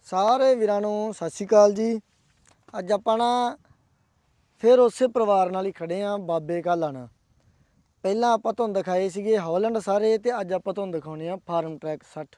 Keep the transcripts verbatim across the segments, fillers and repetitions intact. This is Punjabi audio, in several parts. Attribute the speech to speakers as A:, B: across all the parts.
A: ਸਾਰੇ ਵੀਰਾਂ ਨੂੰ ਸਤਿ ਸ਼੍ਰੀ ਅਕਾਲ ਜੀ। ਅੱਜ ਆਪਾਂ ਨਾ ਫਿਰ ਉਸੇ ਪਰਿਵਾਰ ਨਾਲ ਹੀ ਖੜੇ ਆਂ, ਬਾਬੇ ਘਾਲਾ ਨਾਲ। ਪਹਿਲਾਂ ਆਪਾਂ ਤੁਹਾਨੂੰ ਦਿਖਾਏ ਸੀਗੇ ਹੌਲੈਂਡ ਸਾਰੇ, ਤੇ ਅੱਜ ਆਪਾਂ ਤੁਹਾਨੂੰ ਦਿਖਾਉਣੇ ਆ ਫਾਰਮ ਟਰੈਕ ਸੱਠ।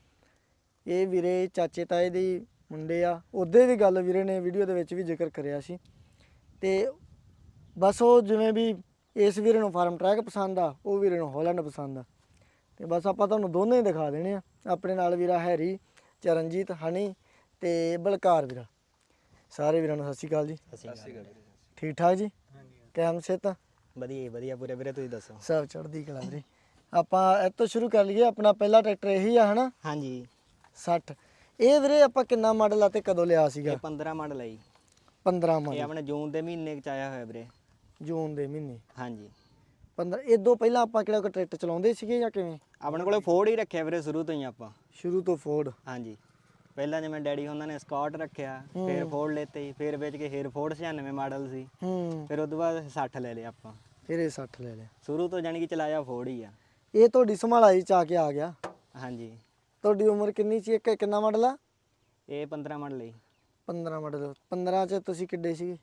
A: ਇਹ ਵੀਰੇ ਚਾਚੇ ਤਾਏ ਦੇ ਮੁੰਡੇ ਆ। ਉਹਦੇ ਵੀ ਗੱਲ ਵੀਰੇ ਨੇ ਵੀਡੀਓ ਦੇ ਵਿੱਚ ਵੀ ਜ਼ਿਕਰ ਕਰਿਆ ਸੀ, ਤੇ ਬਸ ਉਹ ਜਿਵੇਂ ਵੀ ਇਸ ਵੀਰੇ ਨੂੰ ਫਾਰਮ ਟਰੈਕ ਪਸੰਦ ਆ, ਉਹ ਵੀਰੇ ਨੂੰ ਹੌਲੈਂਡ ਪਸੰਦ ਆ, ਤੇ ਬਸ ਆਪਾਂ ਤੁਹਾਨੂੰ ਦੋਨੇ ਹੀ ਦਿਖਾ ਦੇਣੇ ਆ। ਆਪਣੇ ਨਾਲ ਵੀਰਾ ਹੈਰੀ, ਚਰਨਜੀਤ, ਹਨੀ ਤੇ ਬਲਕਾਰ ਵੀਰਾ। ਸਾਰੇ ਵੀਰਾਂ ਨੂੰ ਸਤਿ ਸ਼੍ਰੀ ਅਕਾਲ ਜੀ।
B: ਸਤਿ ਸ਼੍ਰੀ ਅਕਾਲ।
A: ਠੀਕ ਠਾਕ ਜੀ? ਕੈਮ ਸਿਹਤ?
B: ਵਧੀਆ ਵਧੀਆ ਪੂਰੇ ਵੀਰੇ, ਤੁਸੀਂ ਦੱਸੋ?
A: ਸਭ ਚੜ੍ਹਦੀ ਕਲਾ ਵੀਰੇ। ਆਪਾਂ ਇਹ ਤੋਂ ਸ਼ੁਰੂ ਕਰ ਲਈਏ। ਆਪਣਾ ਪਹਿਲਾ ਟਰੈਕਟਰ ਇਹੀ ਆ ਹਨਾ?
B: ਹਾਂਜੀ।
A: ਸੱਠ। ਇਹ ਵੀਰੇ ਆਪਾਂ ਕਿੰਨਾ ਮਾਡਲ ਆ ਤੇ ਕਦੋਂ ਲਿਆ ਸੀਗਾ?
B: ਇਹ ਪੰਦਰਾਂ ਮਾਡਲ ਹੈ ਜੀ।
A: ਪੰਦਰਾਂ
B: ਇਹ
A: ਮਾਡਲ।
B: ਆਪਣੇ ਜੂਨ ਦੇ ਮਹੀਨੇ ਚ ਆਇਆ ਹੋਇਆ ਵੀਰੇ।
A: ਜੂਨ ਦੇ ਮਹੀਨੇ।
B: ਹਾਂਜੀ।
A: ਪੰਦਰਾਂ। ਇਦੋਂ ਪਹਿਲਾਂ ਆਪਾਂ ਕਿਹੜਾ ਕੋਈ ਟਰੈਕਟਰ ਚਲਾਉਂਦੇ ਸੀਗੇ ਜਾਂ ਕਿਵੇਂ?
B: ਆਪਣੇ ਕੋਲੇ ਫੋਰਡ ਹੀ ਰੱਖਿਆ ਵੀਰੇ ਸ਼ੁਰੂ ਤੋਂ ਹੀ ਆਪਾਂ।
A: ਸ਼ੁਰੂ ਤੋਂ ਫੋਰਡ?
B: ਹਾਂਜੀ। ਪਹਿਲਾਂ ਜਿਵੇਂ ਡੈਡੀ ਉਹਨਾਂ ਨੇ ਸਕਾਟ ਰੱਖਿਆ, ਫਿਰ ਫੋਰਡ ਲੈਤੇ, ਫਿਰ ਵੇਚ ਕੇ ਫਿਰ ਫੋਰਡ ਛਿਆਨਵੇਂ ਮਾਡਲ ਸੀ,
A: ਹੂੰ,
B: ਫਿਰ ਉਸ ਤੋਂ ਬਾਅਦ ਸੱਠ ਲੈ ਲਿਆ ਆਪਾਂ।
A: ਫਿਰ ਇਹ ਸੱਠ ਲੈ ਲਿਆ।
B: ਸ਼ੁਰੂ ਤੋਂ ਜਾਣੀ ਕਿ ਚਲਾਇਆ ਫੋਰਡ ਹੀ ਆ।
A: ਇਹ ਤੁਹਾਡੀ ਸੰਭਾਲਾਈ ਚ ਆ ਕੇ ਆ ਗਿਆ?
B: ਹਾਂਜੀ।
A: ਤੁਹਾਡੀ ਉਮਰ ਕਿੰਨੀ ਸੀ? ਇੱਕ ਕਿੰਨਾ ਮਾਡਲ ਆ?
B: ਇਹ ਪੰਦਰਾਂ ਮਾਡਲ ਹੈ।
A: ਪੰਦਰਾਂ ਮਾਡਲ। ਪੰਦਰਾਂ ਚ ਤੁਸੀਂ ਕਿੱਡੇ ਸੀਗੇ?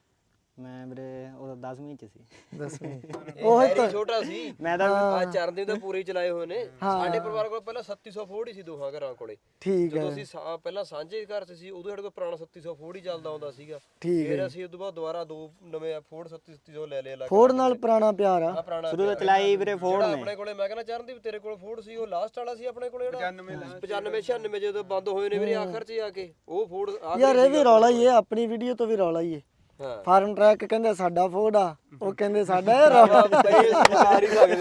B: ਮੈਂ ਵੀਰੇ ਉਦੋਂ ਦਸਵੀਂ ਚ ਸੀ।
A: ਦਸਵੀਂ।
C: ਉਹ ਹੈਰੀ ਛੋਟਾ ਸੀ।
B: ਮੈਂ ਤਾਂ
C: ਆ ਚਰਨਦੀਪ ਤਾਂ ਪੂਰੇ ਚਲਾਏ ਹੋਏ ਨੇ। ਸਾਡੇ ਪਰਿਵਾਰ ਕੋਲ ਪਹਿਲਾਂ ਛੱਤੀ ਸੌ ਫੋਰਡ ਹੀ ਸੀ ਦੋਹਾਂ ਘਰਾਂ ਕੋਲੇ।
A: ਠੀਕ ਹੈ।
C: ਜਦੋਂ ਅਸੀਂ ਸਾ- ਪਹਿਲਾਂ ਸਾਂਝੇ ਘਰ 'ਚ ਸੀ, ਉਦੋਂ ਸਾਡੇ ਕੋਲ ਪੁਰਾਣਾ ਛੱਤੀ ਸੌ ਫੋਰਡ ਹੀ ਚੱਲਦਾ ਹੁੰਦਾ ਸੀਗਾ।
A: ਠੀਕ
C: ਫਿਰ ਅਸੀਂ ਉਸ ਤੋਂ ਬਾਅਦ ਦੁਬਾਰਾ ਦੋ ਨਵੇਂ ਫੋਰਡ ਛੱਤੀ ਛੱਤੀ ਸੌ ਲੈ ਲਏ ਅਲੱਗ।
A: ਫੋਰਡ ਨਾਲ ਪੁਰਾਣਾ ਪਿਆਰ ਆ।
C: ਆ ਪੁਰਾਣਾ
B: ਸ਼ੁਰੂ ਤੋਂ ਚਲਾਈ ਵੀਰੇ ਫੋਰਡ
C: ਜਿਹੜਾ
B: ਨੇ।
C: ਆਪਣੇ ਕੋਲੇ, ਮੈਂ ਕਹਿੰਦਾ ਚਰਨਦੀਪ ਤੇਰੇ ਕੋਲ ਫੋਰਡ ਸੀ, ਉਹ ਲਾਸਟ ਵਾਲਾ ਸੀ ਆਪਣੇ ਕੋਲੇ ਜਿਹੜਾ ਪਚਾਨਵੇਂ ਛਿਆਨਵੇਂ ਜਦੋਂ ਬੰਦ ਹੋਏ ਨੇ ਵੀਰੇ ਆਖਰ 'ਚ ਆ ਕੇ ਉਹ ਫੋਰਡ।
A: ਯਾਰ ਇਹ ਵੀ ਰੌਲਾ ਹੀ ਹੈ, ਆਪਣੀ ਵੀਡੀਓ ਤੋਂ ਵੀ ਰੌਲਾ ਹੀ ਹੈ।
C: ਹਾਂ।
A: ਫਾਰਮ ਟਰੈਕ ਕਹਿੰਦੇ ਸਾਡਾ ਫੋਰਡ ਆ, ਉਹ ਕਹਿੰਦੇ ਸਾਡਾ ਇਹ ਰੌਲਾ।
C: ਮਾਰ ਹੀ ਸਕਦੇ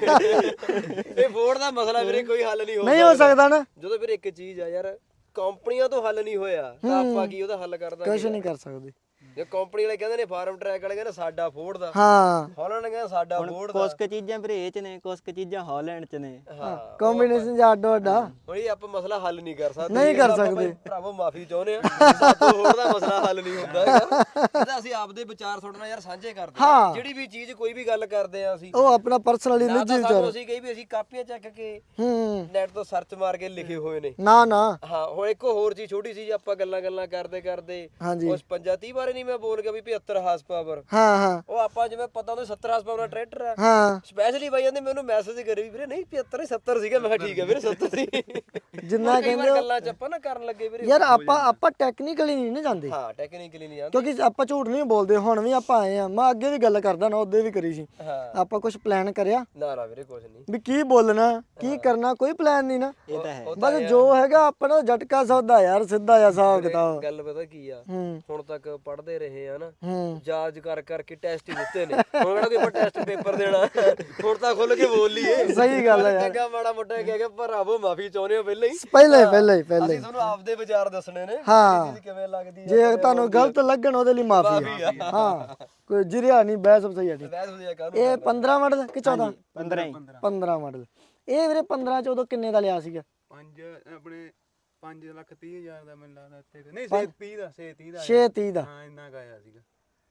C: ਹੈਗੇ। ਇਹ ਫੋਰਡ ਦਾ ਮਸਲਾ ਵੀਰੇ ਕੋਈ ਹੱਲ ਨਹੀਂ ਹੋ
A: ਨਹੀਂ ਹੋ ਸਕਦਾ ਨਾ।
C: ਜਦੋਂ ਵੀਰੇ ਇੱਕ ਚੀਜ਼ ਆ ਯਾਰ, ਕੰਪਨੀਆਂ ਤੋਂ ਹੱਲ ਨਹੀਂ ਹੋਇਆ ਤਾਂ ਆਪਾਂ ਕੀ ਉਹਦਾ ਹੱਲ ਕਰ ਦਾਂਗੇ?
A: ਕੁਝ ਨਹੀਂ ਕਰ ਸਕਦੇ।
C: ਜੇ ਕੰਪਨੀ ਵਾਲੇ ਕਹਿੰਦੇ ਨੇ ਫਾਰਮ ਟਰੈਕ ਵਾਲੇ ਕਹਿੰਦੇ ਸਾਡਾ ਫੋਰਡ ਦਾ,
A: ਹਾਂ,
C: ਹੌਲੈਂਡ ਕਹਿੰਦਾ ਸਾਡਾ ਫੋਰਡ ਦਾ।
B: ਕੁਛ ਕੁ ਚੀਜ਼ਾਂ ਵੀਰੇ ਇਹ ਚ ਨੇ, ਕੁਛ ਕੁ ਚੀਜ਼ਾਂ ਹਾਲੈਂਡ ਚ ਨੇ।
C: ਹਾਂ।
A: ਕੰਬੀਨੇਸ਼ਨ ਜਾਂ ਅੱਡੋ ਅੱਡਾ
C: ਹੁਣ ਇਹ ਆਪਾਂ ਮਸਲਾ ਹੱਲ ਨਹੀਂ ਕਰ ਸਕਦੇ।
A: ਨਹੀਂ ਕਰ
C: ਆਪਾਂ
A: ਸਕਦੇ।
C: ਭਰਾਵੋ ਮਾਫੀ ਚਾਹੁੰਦੇ ਆ, ਸਾਡਾ ਫੋਰਡ ਦਾ ਮਸਲਾ ਹੱਲ ਨਹੀਂ ਹੁੰਦਾ ਹੈਗਾ। ਇਹਦਾ ਅਸੀਂ ਆਪਦੇ ਵਿਚਾਰ ਤੁਹਾਡੇ ਨਾਲ ਯਾਰ ਸਾਂਝੇ ਕਰਦੇ ਹਾਂ। ਜਿਹੜੀ ਵੀ ਚੀਜ਼ ਕੋਈ ਵੀ ਗੱਲ ਕਰਦੇ ਆ ਅਸੀਂ,
A: ਉਹ ਆਪਣਾ ਪਰਸਨਲੀ
C: ਨਾ
A: ਨਿੱਜੀ
C: ਤਾਂ ਸਾਨੂੰ
A: ਵਿਚਾਰ।
C: ਅਸੀਂ ਕਹੀ ਵੀ ਅਸੀਂ ਕਾਪੀਆਂ ਚੱਕ ਕੇ
A: ਹੂੰ,
C: ਨੈਟ ਤੋਂ ਸਰਚ ਮਾਰ ਕੇ ਲਿਖੇ ਹੋਏ ਨੇ।
A: ਨਾ ਨਾ।
C: ਹਾਂ। ਹੁਣ ਇੱਕ ਹੋਰ ਚੀਜ਼ ਛੋਟੀ ਸੀ, ਆਪਾਂ ਗੱਲਾਂ ਗੱਲਾਂ ਕਰਦੇ ਕਰਦੇ
A: ਹਾਂਜੀ।
C: ਉਸ ਪੰਜਾ ਤੀਹ ਬਾਰੇ ਨਹੀਂ ਮੈਂ ਬੋਲ ਗਿਆ ਵੀ ਪਝੱਤਰ ਹਾਰਸ ਪਾਵਰ।
A: ਹਾਂ ਹਾਂ
C: ਉਹ ਆਪਾਂ ਜਿਵੇਂ ਪਤਾ ਉਹਨੂੰ ਸੱਤਰ ਹਾਰਸ ਪਾਵਰ ਦਾ ਟਰੈਕਟਰ ਆ।
A: ਹਾਂ।
C: ਸਪੈਸ਼ਲੀ ਬਾਈ ਜਾਂਦੇ ਮੈਨੂੰ ਮੈਸੇਜ ਕਰੀ ਵੀਰੇ ਨਹੀਂ ਪਝੱਤਰ ਨਹੀਂ ਸੱਤਰ ਸੀਗਾ। ਮੈਂ ਕਿਹਾ ਠੀਕ ਹੈ ਵੀਰੇ ਸੱਤਰ ਸੀ।
A: ਜਿੰਨਾ
C: ਕਈ ਵਾਰ
A: ਕਹਿੰਦੇ
C: ਗੱਲਾਂ ਚ ਆਪਾਂ ਨਾ ਕਰਨ ਲੱਗੇ ਵੀਰੇ।
A: ਯਾਰ ਆਪਾਂ ਆਪਾਂ ਟੈਕਨੀਕਲੀ ਨਹੀਂ ਨਾ ਜਾਂਦੇ,
C: ਹਾਂ ਟੈਕਨੀਕਲੀ ਨਹੀਂ ਜਾਂਦੇ।
A: ਕਿਉਂਕਿ ਆਪਾਂ ਝੂਠ ਨਹੀਂ ਬੋਲਦੇ। ਹੁਣ ਵੀ ਆਪਾਂ ਆਏ ਆ, ਮੈਂ ਅੱਗੇ ਵੀ ਗੱਲ ਕਰਦਾ ਨਾ, ਉਹਦੇ ਵੀ ਕਰੀ ਸੀ।
C: ਹਾਂ।
A: ਆਪਾਂ ਕੁਝ ਪਲਾਨ ਕਰਿਆ
C: ਨਾ ਨਾ ਵੀਰੇ ਕੁਝ ਨਹੀਂ।
A: ਵੀ ਕੀ ਬੋਲਣਾ ਕੀ ਕਰਨਾ, ਕੋਈ ਪਲਾਨ ਨਹੀਂ ਨਾ।
B: ਇਹ ਤਾਂ ਹੈ।
A: ਬਸ ਜੋ ਹੈਗਾ ਆਪਣਾ ਝਟਕਾ ਸੌਦਾ ਯਾਰ, ਸਿੱਧਾ ਜਿਹਾ ਹਿਸਾਬ ਕਿਤਾਬ।
C: ਗੱਲ ਪਤਾ ਕੀ ਆ,
A: ਹੂੰ
C: ਹੁਣ ਤੱਕ ਪੜ੍ਹਦੇ ਰਹੇ ਆ ਨਾ,
A: ਹੂੰ।
C: ਜਾਜ ਕਰ ਕਰਕੇ ਟੈਸਟ ਹੀ ਦਿੱਤੇ ਨੇ। ਹੁਣ ਕਿਹੜਾ ਕੋਈ ਆਪਾਂ ਟੈਸਟ ਪੇਪਰ ਦੇਣਾ? ਹੁਣ ਤਾਂ ਖੁੱਲ ਕੇ ਬੋਲ ਲਈਏ।
A: ਸਹੀ ਗੱਲ ਹੈ ਯਾਰ।
C: ਚੰਗਾ ਮਾੜਾ ਮੋਟਾ ਕਹਿ ਕੇ ਭਰਾਵੋ ਮਾਫੀ ਚਾਹੁੰਦੇ ਹੋ ਪਹਿਲਾਂ ਹੀ।
A: ਪਹਿਲਾਂ ਹੀ ਪਹਿਲਾਂ ਹੀ ਪਹਿਲਾਂ
C: ਅਸੀਂ
A: ਹੀ
C: ਤੁਹਾਨੂੰ ਆਪਦੇ ਵਿਚਾਰ ਦੱਸਣੇ ਨੇ।
A: ਹਾਂ।
C: ਇਹ ਚੀਜ਼ ਕਿਵੇਂ ਲੱਗਦੀ ਹੈ?
A: ਜੇ ਤੁਹਾਨੂੰ ਗਲਤ ਲੱਗਣ ਉਹਦੇ ਲਈ ਮਾਫੀ ਹੈ। ਹਾਂ, ਕੋਈ ਜਿਰਿਆ ਨਹੀਂ, ਬਹਿਸ ਸਹੀ ਹੈ।
C: ਵੈਸੇ ਵਧੀਆ ਕਾਹਨੂੰ
A: ਇਹ ਪੰਦਰਾਂ ਮਾਡਲ ਕਿ ਚੌਦਾਂ?
B: ਪੰਦਰਾਂ ਹੀ।
A: ਪੰਦਰਾਂ ਮਾਡਲ। ਇਹ ਵੀਰੇ ਪੰਦਰਾਂ ਚ ਉਦੋਂ ਕਿੰਨੇ ਦਾ ਲਿਆ ਸੀਗਾ?
D: ਪੰਜ ਆਪਣੇ ਪੰਜ ਲੱਖ ਤੀਹ ਹਜ਼ਾਰ ਦਾ ਮੈਨੂੰ ਲੱਗਦਾ ਇੱਥੇ। ਨਹੀਂ ਛੇ ਤੀਹ ਦਾ, ਛੇ ਤੀਹ ਦਾ
A: ਛੇ ਤੀਹ ਦਾ।
D: ਹਾਂ ਇੰਨਾ ਕੁ ਆਇਆ ਸੀਗਾ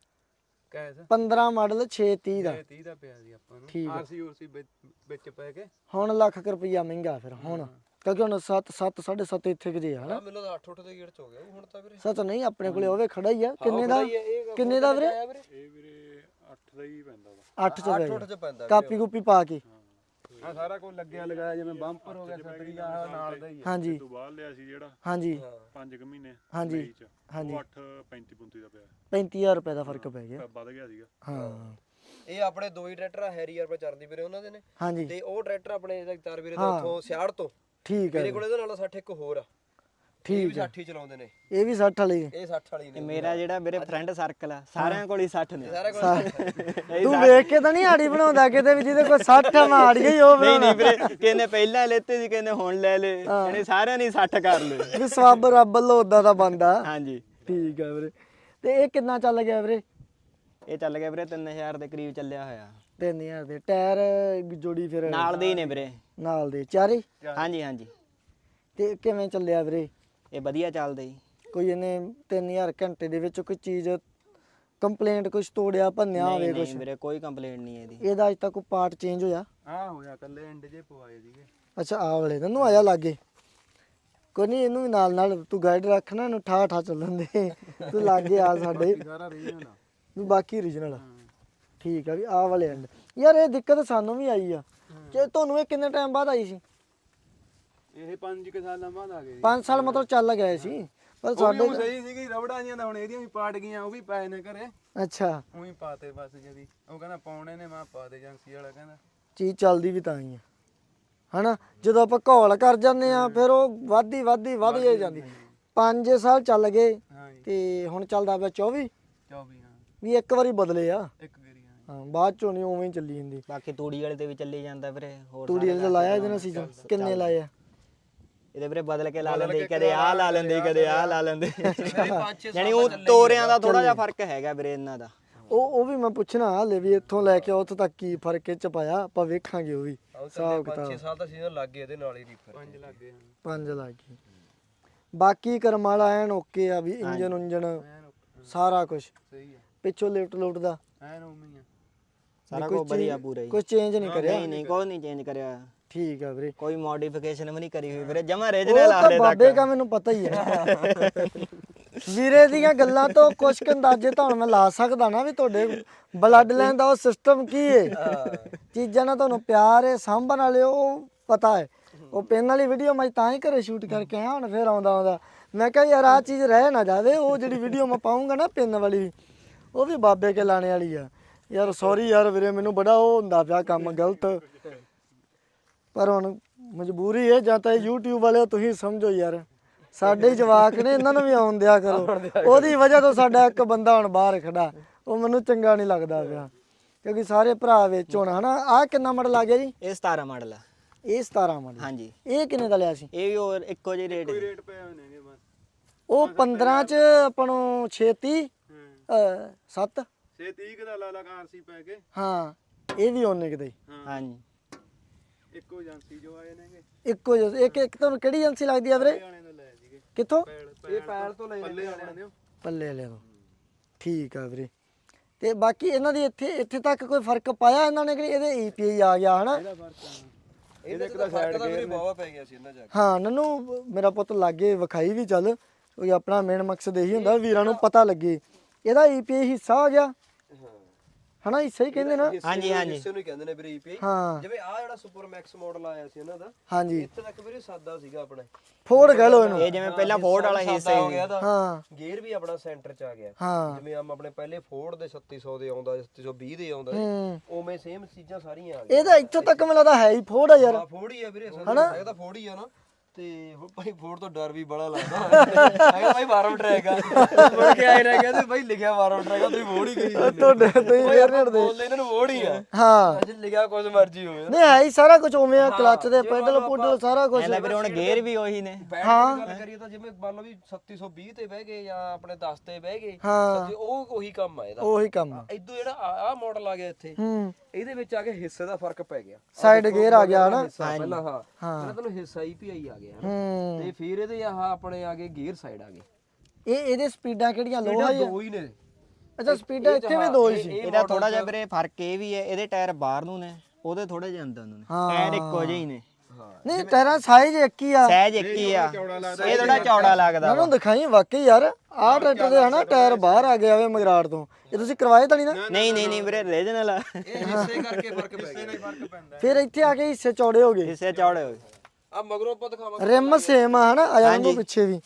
D: ਕੈਸ।
A: ਪੰਦਰਾਂ ਮਾਡਲ ਛੇ ਤੀਹ ਦਾ।
D: ਛੇ ਤੀਹ ਦਾ ਪਿਆ ਸੀ ਆਪਾਂ
A: ਠੀਕ
D: ਨੂੰ।
A: ਆ।
D: ਆਰਸੀ ਉਰਸੀ ਵਿੱਚ ਪੈ ਕੇ
A: ਹੁਣ ਲੱਖ ਕੁ ਰੁਪਈਆ ਮਹਿੰਗਾ ਫਿਰ ਹੁਣ, ਕਿਉਂਕਿ ਹੁਣ ਸੱਤ ਸੱਤ ਸਾਢੇ ਸੱਤ ਇੱਥੇ ਕਿਤੇ ਆ ਹਨਾ।
C: ਮੈਨੂੰ ਤਾਂ ਅੱਠ ਉੱਠ ਦੇ ਗੇੜ ਚ ਹੋ ਗਿਆ ਹੁਣ ਤਾਂ ਵੀਰੇ।
A: ਸੱਤ ਨਹੀਂ, ਆਪਣੇ ਕੋਲੇ ਹੋਵੇ ਖੜਾ ਹੀ ਆ। ਕਿੰਨੇ ਦਾ?
C: ਇਹ- ਇਹ
A: ਕਿੰਨੇ ਦਾ ਵੀਰੇ?
C: ਆਇਆ ਵੀਰੇ?
D: ਇਹ ਵੀਰੇ ਅੱਠ ਦਾ ਹੀ ਪੈਂਦਾ ਵਾ।
A: ਅੱਠ ਚ ਪੈ
C: ਅੱਠ ਉੱਠ
A: ਗਿਆ।
C: ਚ ਪੈਂਦਾ
A: ਕਾਪੀ ਕੂਪੀ ਪਾ ਕੇ।
D: ਹਾਂ ਸਾਰਾ ਕੁਝ ਲੱਗਿਆ ਲਗਾਇਆ, ਜਿਵੇਂ ਬੰਪਰ ਹੋ ਗਿਆ ਛਤਰੀ ਦਾ ਨਾਲ ਦਾ ਹੀ ਆ।
A: ਹਾਂਜੀ
D: ਤੋਂ ਬਾਅਦ ਲਿਆ ਸੀ ਜਿਹੜਾ
A: ਹਾਂਜੀ
D: ਪੰਜ ਕੁ ਮਹੀਨੇ
A: ਹਾਂਜੀ
D: ਮਈ ਚ,
A: ਹਾਂਜੀ।
D: ਉਹ ਅੱਠ ਪੈਂਤੀ ਪੁੰਤੀ ਦਾ ਪਿਆ,
A: ਪੈਂਤੀ ਹਜ਼ਾਰ ਰੁਪਏ ਦਾ ਫਰਕ ਪੈ ਗਿਆ।
D: ਵੱਧ ਗਿਆ ਸੀਗਾ।
A: ਹਾਂ
C: ਇਹ ਆਪਣੇ ਦੋ ਹੀ ਟਰੈਕਟਰ ਆ, ਹੈਰੀਅਰ ਪਰ ਚਰਦੀ ਵੀਰੇ ਉਹਨਾਂ ਦੇ ਨੇ।
A: ਹਾਂਜੀ
C: ਤੇ ਉਹ ਟਰੈਕਟਰ ਆਪਣੇ ਜਗਤਾਰ ਵੀਰੇ ਦਾ ਉੱਥੋਂ ਸਿਆੜ ਤੋਂ।
A: ਠੀਕ ਹੈ
C: ਮੇਰੇ ਕੋਲ ਇਹਦੇ ਨਾਲ ਸੱਠ ਇੱਕ ਹੋਰ ਆ। ਇਹ ਵੀ
A: ਠੀਕ ਹੈ।
C: ਸੱਠ ਹੀ ਚਲਾਉਂਦੇ ਨੇ।
A: ਇਹ ਵੀ ਸੱਠ ਵਾਲੀ।
C: ਇਹ ਸੱਠ ਵਾਲੀ
B: ਤੇ
C: ਨੇ।
B: ਮੇਰਾ ਜਿਹੜਾ ਵੀਰੇ ਫਰੈਂਡ ਸਰਕਲ ਆ, ਸਾਰਿਆਂ ਕੋਲ ਹੀ ਸੱਠ ਨੇ।
C: ਸਾਰਾ ਕੁਝ
A: ਤੂੰ ਵੇਖ ਕੇ ਤਾਂ ਨਹੀਂ ਆੜੀ ਬਣਾਉਂਦਾ ਕਿਤੇ ਵੀ ਜਿਹਦੇ ਕੋਲ ਸੱਠ ਆ ਮੈਂ ਆੜ ਗਈ ਉਹ
B: ਨਹੀਂ ਨਹੀਂ
A: ਬਣਾਉਣਾ।
B: ਵੀਰੇ, ਕਿਹਨੇ ਪਹਿਲਾਂ ਲੈਤੇ ਸੀ, ਕਿਹਨੇ ਹੁਣ ਲੈ ਲੇ, ਇਹਨੇ ਸਾਰਿਆਂ ਨੇ ਸੱਠ ਕਰ ਲਏ।
A: ਵੀ ਸਵਾਬ ਰੱਬ ਵੱਲੋਂ ਉਦਾਂ ਦਾ ਬੰਦਾ।
B: ਹਾਂਜੀ।
A: ਠੀਕ ਹੈ ਵੀਰੇ। ਤੇ ਇਹ ਕਿੰਨਾ ਚੱਲ ਗਿਆ ਵੀਰੇ?
B: ਇਹ ਚੱਲ ਗਿਆ ਵੀਰੇ ਤਿੰਨ ਹਜ਼ਾਰ ਦੇ ਕਰੀਬ ਚੱਲਿਆ ਹੋਇਆ।
A: ਤਿੰਨ ਹਜ਼ਾਰ ਦੇ ਟਾਇਰ ਜੋੜੀ ਫਿਰ
B: ਨਾਲ ਦੇ ਹੀ ਨੇ ਵੀਰੇ।
A: ਨਾਲ ਦੇ ਚਾਰੇ?
B: ਹਾਂਜੀ ਹਾਂਜੀ।
A: ਤੇ ਕਿਵੇਂ ਚੱਲਿਆ ਵੀਰੇ?
B: ਇਹ ਵਧੀਆ ਚੱਲਦਾ ਜੀ।
A: ਕੋਈ ਇਹਨੇ ਤਿੰਨ ਹਜ਼ਾਰ ਘੰਟੇ ਦੇ ਵਿੱਚ ਕੋਈ ਚੀਜ਼ ਕੰਪਲੇਂਟ ਕੁਝ ਤੋੜਿਆ ਭੰਨਿਆ ਹੋਵੇ
B: ਨਹੀਂ
A: ਕੁਝ?
B: ਨਹੀਂ ਵੀਰੇ, ਕੋਈ ਕੰਪਲੇਂਟ ਨਹੀਂ ਇਹਦੀ।
A: ਇਹਦਾ ਅੱਜ ਤੱਕ ਕੋਈ ਪਾਰਟ ਚੇਂਜ ਹੋਇਆ?
D: ਆਹ ਹੋਇਆ ਕੱਲੇ ਐਂਡ ਜੇ ਪਵਾਏ ਸੀਗੇ।
A: ਅੱਛਾ, ਆ ਵਾਲੇ ਨੂੰ ਆ ਜਾ ਲਾਗੇ। ਕੋਈ ਨਹੀਂ ਇਹਨੂੰ ਵੀ ਨਾਲ ਨਾਲ ਤੂੰ ਗਾਈਡ ਰੱਖਣਾ ਇਹਨੂੰ ਠਾ ਠਾ ਚੱਲਣ ਦੇ ਤੂੰ ਲਾਗੇ ਆ ਸਾਡੇ
D: ਸਾਰਾ ਰੀਜਨਲ ਆ
A: ਵੀ ਬਾਕੀ ਓਰੀਜਨਲ ਆ ਠੀਕ ਆ ਵੀ ਆਹ ਵਾਲੇ ਐਂਡ ਯਾਰ ਇਹ ਦਿੱਕਤ ਸਾਨੂੰ ਵੀ ਆਈ ਆ ਕਿ ਤੁਹਾਨੂੰ ਇਹ ਕਿੰਨੇ ਟਾਈਮ ਬਾਅਦ ਆਈ ਸੀ
D: ਇਹ ਪੰਜ ਕੁ ਸਾਲਾਂ ਬਾਅਦ ਆ ਗਏ
A: ਪੰਜ ਸਾਲ ਮਤਲਬ ਚੱਲ ਗਏ ਸੀ ਪਰ
D: ਸਾਡੇ
A: ਸਾਡੇ
D: ਸਹੀ ਸੀਗੀ ਰਬੜਾਂ ਜੀਆਂ ਤਾਂ ਹੁਣ ਇਹਦੀਆਂ ਵੀ ਪਾਟ ਗਈਆਂ ਉਹ ਵੀ ਪਏ ਨੇ ਘਰੇ
A: ਅੱਛਾ
D: ਉਹੀ ਪਾਤੇ ਬਸ ਜਦੀ ਉਹ ਕਹਿੰਦਾ ਪਾਉਣੇ ਨੇ ਮੈਂ ਪਾ ਦੇ ਏਜੰਸੀ ਵਾਲਾ ਕਹਿੰਦਾ
A: ਚੀਜ਼ ਚੱਲਦੀ ਵੀ ਤਾਂ ਹੀ ਆ ਹਨਾ ਜਦੋਂ ਆਪਾਂ ਘੋਲ ਕਰ ਜਾਂਦੇ ਆ ਫਿਰ ਉਹ ਵਾਧੀ ਵਾਧੀ ਵਧ ਹੀ ਜਾਂਦੀ ਪੰਜ ਸਾਲ ਚੱਲ ਗਏ
D: ਹਾਂਜੀ
A: ਤੇ ਹੁਣ ਚੱਲਦਾ ਪਿਆ ਚੌਵੀ
D: ਚੌਵੀ ਹਾਂ
A: ਵੀ ਇੱਕ ਵਾਰੀ ਬਦਲੇ ਆ
D: ਇੱਕ ਗੇਰੀ ਹਾਂ
A: ਹਾਂ ਬਾਅਦ ਚੋਂ ਨਹੀਂ ਉਵੇਂ ਹੀ ਚੱਲੀ ਜਾਂਦੀ
B: ਬਾਕੀ ਤੂੜੀ ਵਾਲੇ ਤੇ ਵੀ ਚੱਲੀ ਜਾਂਦਾ ਵੀਰੇ ਹੋਰ
A: ਤੂੜੀ ਵਾਲੇ ਦਾ ਲਾਇਆ ਇਹਦੇ ਨਾਲ ਸੀਜ਼ਨ ਕਿੰਨੇ ਲਾਏ ਆ
B: ਇਹਦੇ ਵੀਰੇ ਬਦਲ ਕੇ ਲਾ ਲੈਂਦੇ ਕਦੇ ਆਹ ਲਾ ਲੈਂਦੇ ਕਦੇ ਆਹ ਲਾ ਲੈਂਦੇ
C: ਪੰਜ ਛੇ
B: ਯਾਨੀ ਉਹ ਤੋਰਿਆਂ ਦਾ ਥੋੜਾ ਜਿਹਾ ਫਰਕ ਹੈਗਾ ਵੀਰੇ ਇਹਨਾਂ ਦਾ
A: ਉਹ ਉਹ ਵੀ ਮੈਂ ਪੁੱਛਣਾ ਹਾਲੇ ਵੀ ਇੱਥੋਂ ਲੈ ਕੇ ਉੱਥੋਂ ਤੱਕ ਕੀ ਫਰਕ ਇਹ ਚ ਪਾਇਆ ਆਪਾਂ ਵੇਖਾਂਗੇ ਉਹ ਵੀ ਹਿਸਾਬ
C: ਪੰਜ ਛੇ
A: ਕਿਤਾਬ
C: ਸਾਲ ਦਾ ਸੀਜ਼ਨ ਲੱਗ ਗਿਆ ਇਹਦੇ ਨਾਲ ਹੀ ਰੀਫਰ
D: ਪੰਜ ਲੱਗ ਗਏ ਹਾਂ
A: ਪੰਜ ਲੱਗ ਗਏ ਬਾਕੀ ਕਰਮ ਵਾਲਾ ਐਨ ਓਕੇ ਆ ਵੀ ਇੰਜਨ ਉਂਜਨ
D: ਐਨ ਓਕੇ,
A: ਸਾਰਾ ਕੁਝ
D: ਸਹੀ ਆ
A: ਪਿੱਛੋਂ ਲਿਫਟ ਲੁਫਟ ਦਾ
D: ਐਨ ਉਵੇਂ ਹੀ ਆ
B: ਸਾਰਾ ਕੁਝ ਵਧੀਆ ਪੂਰਾ ਹੀ
A: ਕੁਝ ਚੇਂਜ ਨਹੀਂ ਕਰਿਆ
B: ਨਹੀਂ ਨਹੀਂ ਕੋਈ ਨਹੀਂ ਚੇਂਜ ਕਰਿਆ
A: ਠੀਕ ਆ ਵੀਰੇ
B: ਕੋਈ ਮੋਡੀਫਿਕੇਸ਼ਨ ਵੀ ਨਹੀਂ ਕਰੀ ਹੋਈ ਵੀਰੇ ਜਮਾ
A: ਉਹ
B: ਰੀਜਨਲ ਆ
A: ਤਾਂ
B: ਹਲੇ
A: ਬਾਬੇ
B: ਤੱਕ
A: ਦਾ ਮੈਨੂੰ ਪਤਾ ਹੀ ਹੈ ਵੀਰੇ ਦੀਆਂ ਗੱਲਾਂ ਤੋਂ ਕੁਝ ਕੁ ਅੰਦਾਜ਼ੇ ਤਾਂ ਹੁਣ ਮੈਂ ਲਾ ਸਕਦਾ ਨਾ ਵੀ ਤੁਹਾਡੇ ਬਲੱਡ ਲਾਈਨ ਦਾ ਉਹ ਸਿਸਟਮ ਕੀ ਹੈ ਚੀਜ਼ਾਂ ਨਾਲ ਤੁਹਾਨੂੰ ਪਿਆਰ ਹੈ ਸਾਂਭਣ ਵਾਲੇ ਉਹ ਪਤਾ ਹੈ ਉਹ ਪੈਨ ਵਾਲੀ ਵੀਡੀਓ ਮੈਂ ਤਾਂ ਹੀ ਘਰੇ ਸ਼ੂਟ ਕਰਕੇ ਆਇਆ ਹੁਣ ਫੇਰ ਆਉਂਦਾ ਆਉਂਦਾ ਮੈਂ ਕਿਹਾ ਯਾਰ ਆਹ ਚੀਜ਼ ਰਹਿ ਨਾ ਜਾਵੇ ਉਹ ਜਿਹੜੀ ਵੀਡੀਓ ਮੈਂ ਪਾਉਂਗਾ ਨਾ ਪੈਨ ਵਾਲੀ ਉਹ ਵੀ ਬਾਬੇ ਕੇ ਲਾਣੇ ਵਾਲੀ ਆ ਯਾਰ ਸੌਰੀ ਯਾਰ ਵੀਰੇ ਮੈਨੂੰ ਬੜਾ ਉਹ ਹੁੰਦਾ ਪਿਆ ਕੰਮ ਗਲਤ ਪਰ ਹੁਣ ਮਜਬੂਰੀ ਹੈ ਜਾਂ ਤਾਂ YouTube ਵਾਲੇ ਤੁਸੀਂ ਸਮਝੋ ਯਾਰ ਸਾਡੇ ਹੀ ਜਵਾਕ ਨੇ ਇਹਨਾਂ ਨੂੰ ਵੀ ਆਉਣ ਦਿਆ ਕਰੋ ਉਹਦੀ ਵਜ੍ਹਾ ਤੋਂ ਸਾਡਾ ਇੱਕ ਬੰਦਾ ਹੁਣ ਬਾਹਰ ਖੜਾ ਉਹ ਮੈਨੂੰ ਚੰਗਾ ਨਹੀਂ ਲੱਗਦਾ ਪਿਆ ਕਿਉਂਕਿ ਸਾਰੇ ਭਰਾ ਵਿੱਚ ਹੁਣ ਹਨਾ ਆਹ ਕਿੰਨਾ ਮਾਡਲ ਆ ਗਿਆ ਜੀ
B: ਇਹ ਸਤਾਰਾਂ ਮਾਡਲ ਆ
A: ਇਹ ਸਤਾਰਾਂ ਮਾਡਲ
B: ਹਾਂਜੀ
A: ਇਹ ਕਿੰਨੇ ਦਾ ਲਿਆ ਸੀ
B: ਇਹ ਵੀ ਹੋਰ ਇੱਕੋ ਜਿਹੇ ਰੇਟ
D: ਰੇਟ ਪਏ ਹੋਏ ਨੇਗੇ ਬਸ
A: ਉਹ ਪੰਦਰਾਂ ਚ ਆਪਾਂ ਨੂੰ ਛੇਤੀ
D: ਹਾਂ
A: ਸੱਤ
D: ਛੇ ਤੀਹ ਦਾ ਲਾ ਲਾ ਆਰਸੀ ਪੈ ਕੇ
A: ਹਾਂ ਇਹ ਵੀ ਉਹਨੇ ਕਿਤੇ
B: ਹਾਂਜੀ
D: ਇੱਕੋ ਏਜੰਸੀ ਜੋ ਆਏ ਨੇਗੇ
A: ਇੱਕੋ ਜਿਹਾ ਇੱਕ ਇੱਕ ਤੁਹਾਨੂੰ ਕਿਹੜੀ ਏਜੰਸੀ ਲੱਗਦੀ ਆ ਵੀਰੇ
D: ਵਾਲਿਆਂ ਤੋਂ ਲੈ ਸੀਗੇ
A: ਕਿੱਥੋਂ
D: ਇਹ ਪੈਲ ਤੋਂ ਲੈ ਪੱਲੇ ਵਾਲਿਆਂ ਦੇ
A: ਪੱਲੇ ਵਾਲਿਆਂ ਤੋਂ ਠੀਕ ਆ ਵੀਰੇ ਤੇ ਬਾਕੀ ਇਹਨਾਂ ਦੀ ਇੱਥੇ ਇੱਥੇ ਤੱਕ ਕੋਈ ਫਰਕ ਪਾਇਆ ਇਹਨਾਂ ਨੇ ਕਿ ਇਹਦੇ ਈ ਪੀ ਆਈ ਆ ਗਿਆ ਹਨਾ
D: ਇਹਦਾ ਫਰਕ ਆ
C: ਇਹਦੇ ਇੱਕ ਦਾ ਫਰਕ ਤਾਂ ਵੀਰੇ ਬਾਵਾ ਪੈ ਗਿਆ ਸੀ ਇਹਨਾਂ ਜਾ ਕੇ
A: ਹਾਂ ਨਨੂੰ ਮੇਰਾ ਪੁੱਤ ਲਾਗੇ ਵਿਖਾਈ ਵੀ ਚੱਲ ਕਿਉਂਕਿ ਆਪਣਾ ਮੇਨ ਮਕਸਦ ਇਹੀ ਹੁੰਦਾ ਵੀਰਾਂ ਨੂੰ ਪਤਾ ਲੱਗੇ ਇਹਦਾ ਈ ਪੀ ਆਈ ਹਿੱਸਾ ਆ ਗਿਆ ਹਨਾ ਹਿੱਸਾ ਹੀ ਕਹਿੰਦੇ ਨਾ
B: ਹਾਂਜੀ ਹਾਂਜੀ
C: ਇਸੇ ਨੂੰ ਹੀ ਕਹਿੰਦੇ ਨੇ ਵੀਰੇ ਈਪੀਆਈ
A: ਹਾਂ
C: ਜਿਵੇਂ ਆ ਜਿਹੜਾ ਸੁਪਰ ਮੈਕਸ ਮਾਡਲ ਆਇਆ ਸੀ ਇਹਨਾਂ ਦਾ
A: ਹਾਂਜੀ
C: ਇੱਥੇ ਤੱਕ ਵੀਰੇ ਸਾਦਾ ਸੀਗਾ ਆਪਣੇ
A: ਫੋੜ ਕਹਿ ਲੋ ਇਹਨੂੰ
B: ਇਹ ਜਿਵੇਂ ਪਹਿਲਾਂ ਫੋਰਡ ਵਾਲਾ ਹਿੱਸਾ
C: ਸਾਦਾ ਹੋ
B: ਹੀ
C: ਗਿਆ ਦਾ
A: ਹਾਂ
C: ਗੇਅਰ ਵੀ ਆਪਣਾ ਸੈਂਟਰ ਚ ਆ ਗਿਆ
A: ਹਾਂ
C: ਜਿਵੇਂ ਆਮ ਆਪਣੇ ਪਹਿਲੇ ਫੋਰਡ ਦੇ ਛੱਤੀ ਸੌ ਦੇ ਆਉਂਦਾ ਛੱਤੀ ਸੌ ਵੀਹ ਦੇ ਆਉਂਦਾ
A: ਹੂੰ
C: ਉਵੇਂ ਸੇਮ ਚੀਜ਼ਾਂ ਸਾਰੀਆਂ ਆ ਗਈਆਂ
A: ਇਹਦਾ ਇੱਥੋਂ ਤੱਕ ਮੈਨੂੰ ਲੱਗਦਾ ਹੈ ਹੀ ਫੋੜ ਆ ਯਾਰ
C: ਆ ਫੋਰਡ ਹੀ ਆ ਵੀਰੇ ਅਸਲ ਹੈਗਾ ਤਾਂ ਫੋਰਡ ਹੀ ਆ ਨਾ ਤੇ ਹੁਣ ਭਾਈ ਫੋਰਡ ਤੋਂ ਡਰ ਵੀ ਬੜਾ ਲੱਗਦਾ ਹੈਗਾ ਭਾਈ ਵਾਰਮ ਟਰੈਕ ਆ ਮੁੜ ਕੇ ਆਏ ਰਹਿ ਗਿਆ ਤੇ ਭਾਈ ਲਿਖਿਆ ਵਾਰਮ ਟਰੈਕ ਆ ਤੁਸੀਂ ਫੋਰਡ ਹੀ ਗਈ
A: ਤੁਹਾਡੇ ਤੁਸੀਂ ਫੇਰ ਨਹੀਂ ਹਟਦੇ
C: ਬੋਲਦੇ ਇਹਨਾਂ ਨੂੰ ਫੋਰਡ ਹੀ ਆ
A: ਹਾਂ
C: ਅੱਜ ਲਿਖਿਆ ਕੁਝ ਮਰਜ਼ੀ ਹੋਵੇ
A: ਨਹੀਂ ਹੈ ਹੀ ਸਾਰਾ ਕੁਝ ਉਵੇਂ ਆ ਕਲੱਚ ਦੇ ਪੈਡਲ ਪੁੱਡਲ ਸਾਰਾ ਕੁਝ
B: ਇਹਦਾ ਵੀਰੇ ਹੁਣ ਗੇਅਰ ਵੀ ਉਹੀ ਨੇ
C: ਬੈਟਰੀ ਦੀ ਗੱਲ ਕਰੀਏ ਤਾਂ ਜਿਵੇਂ ਮੰਨ ਲਓ ਵੀ ਛੱਤੀ ਸੌ ਵੀਹ ਤੇ ਬਹਿ ਗਏ ਜਾਂ ਆਪਣੇ ਦਸ ਤੇ ਬਹਿ ਗਏ
A: ਹਾਂ
C: ਤੇ ਉਹ ਉਹੀ ਕੰਮ ਆ ਇਹਦਾ
A: ਉਹੀ ਕੰਮ ਆ।
C: ਇਦੋਂ ਜਿਹੜਾ ਆ ਮਾਡਲ ਆ ਗਿਆ ਇੱਥੇ
A: ਹੂੰ
C: ਇਹਦੇ ਵਿੱਚ ਆ ਕੇ ਹਿੱਸੇ ਦਾ ਫਰਕ ਪੈ ਗਿਆ
A: ਸਾਈਡ ਗੇਅਰ ਆ ਗਿਆ ਨਾ
C: ਹਿੱਸਾ ਪਹਿਲਾਂ ਹਾਂ ਪਹਿਲਾਂ ਤੁਹਾਨੂੰ ਹਿੱਸਾ ਹੀ ਪੀਆਈ ਆ ਗਿਆ ਹਨਾ
A: ਹੂੰ
C: ਤੇ ਫਿਰ ਇਹਦੇ ਆਹ ਆਪਣੇ ਆ ਗਏ ਗੇਅਰ ਸਾਈਡ ਆ ਗਏ
A: ਇਹ ਇਹਦੇ ਸਪੀਡਾਂ ਕਿਹੜੀਆਂ ਲੋ ਆ
C: ਦੋ ਹੀ ਨੇ
A: ਅੱਛਾ ਸਪੀਡਾਂ ਇੱਥੇ ਵੀ ਦੋ ਹੀ ਸੀ
B: ਇਹਦਾ ਥੋੜਾ ਜਿਹਾ ਵੀਰੇ ਫਰਕ ਇਹ ਵੀ ਹੈ ਇਹਦੇ ਟਾਇਰ ਬਾਹਰ ਨੂੰ ਨੇ ਉਹਦੇ ਥੋੜੇ ਜਿਹੇ ਅੰਦਰ ਨੂੰ ਨੇ ਟਾਇਰ ਇੱਕੋ ਜਿਹੇ ਹੀ ਨੇ
A: ਨਹੀਂ ਟਾਇਰਾਂ ਸਾਈਜ਼ ਇੱਕ ਹੀ ਆ
B: ਸਹਿਜ ਇੱਕ ਹੀ ਆ ਇਹ ਥੋੜਾ ਚੌੜਾ ਲੱਗਦਾ
A: ਮੈਨੂੰ ਦਿਖਾਈ ਵਾਕਈ ਯਾਰ ਆਹ ਟਰੈਕਟਰ ਦੇ ਹਨਾ ਟਾਇਰ ਬਾਹਰ ਆ ਗਿਆ ਵੇ ਮਗਰਾੜ ਤੋਂ ਇਹ ਤੁਸੀਂ ਕਰਵਾਏ ਤਾਂ ਨਹੀਂ ਨਾ
B: ਨਹੀਂ ਨਹੀਂ ਨਹੀਂ ਵੀਰੇ ਰੀਜਨਲ ਆ
C: ਇਹ ਹਿੱਸੇ ਕਰਕੇ ਫਰਕ ਪੈ ਗਿਆ
D: ਫਰਕ ਪੈਂਦਾ
A: ਫਿਰ ਇੱਥੇ ਆ ਕੇ ਹਿੱਸੇ ਚੌੜੇ ਹੋ ਗਏ
B: ਹਿੱਸੇ ਚੌੜੇ ਹੋਏ
C: ਆ ਮਗਰੋਂ ਆਪਾਂ ਦਿਖਾਵਾਂਗੇ
A: ਰਿਮ ਸੇਮ ਆ ਹਨਾ ਆਇਆ ਨੂੰ ਪਿੱਛੇ ਵੀ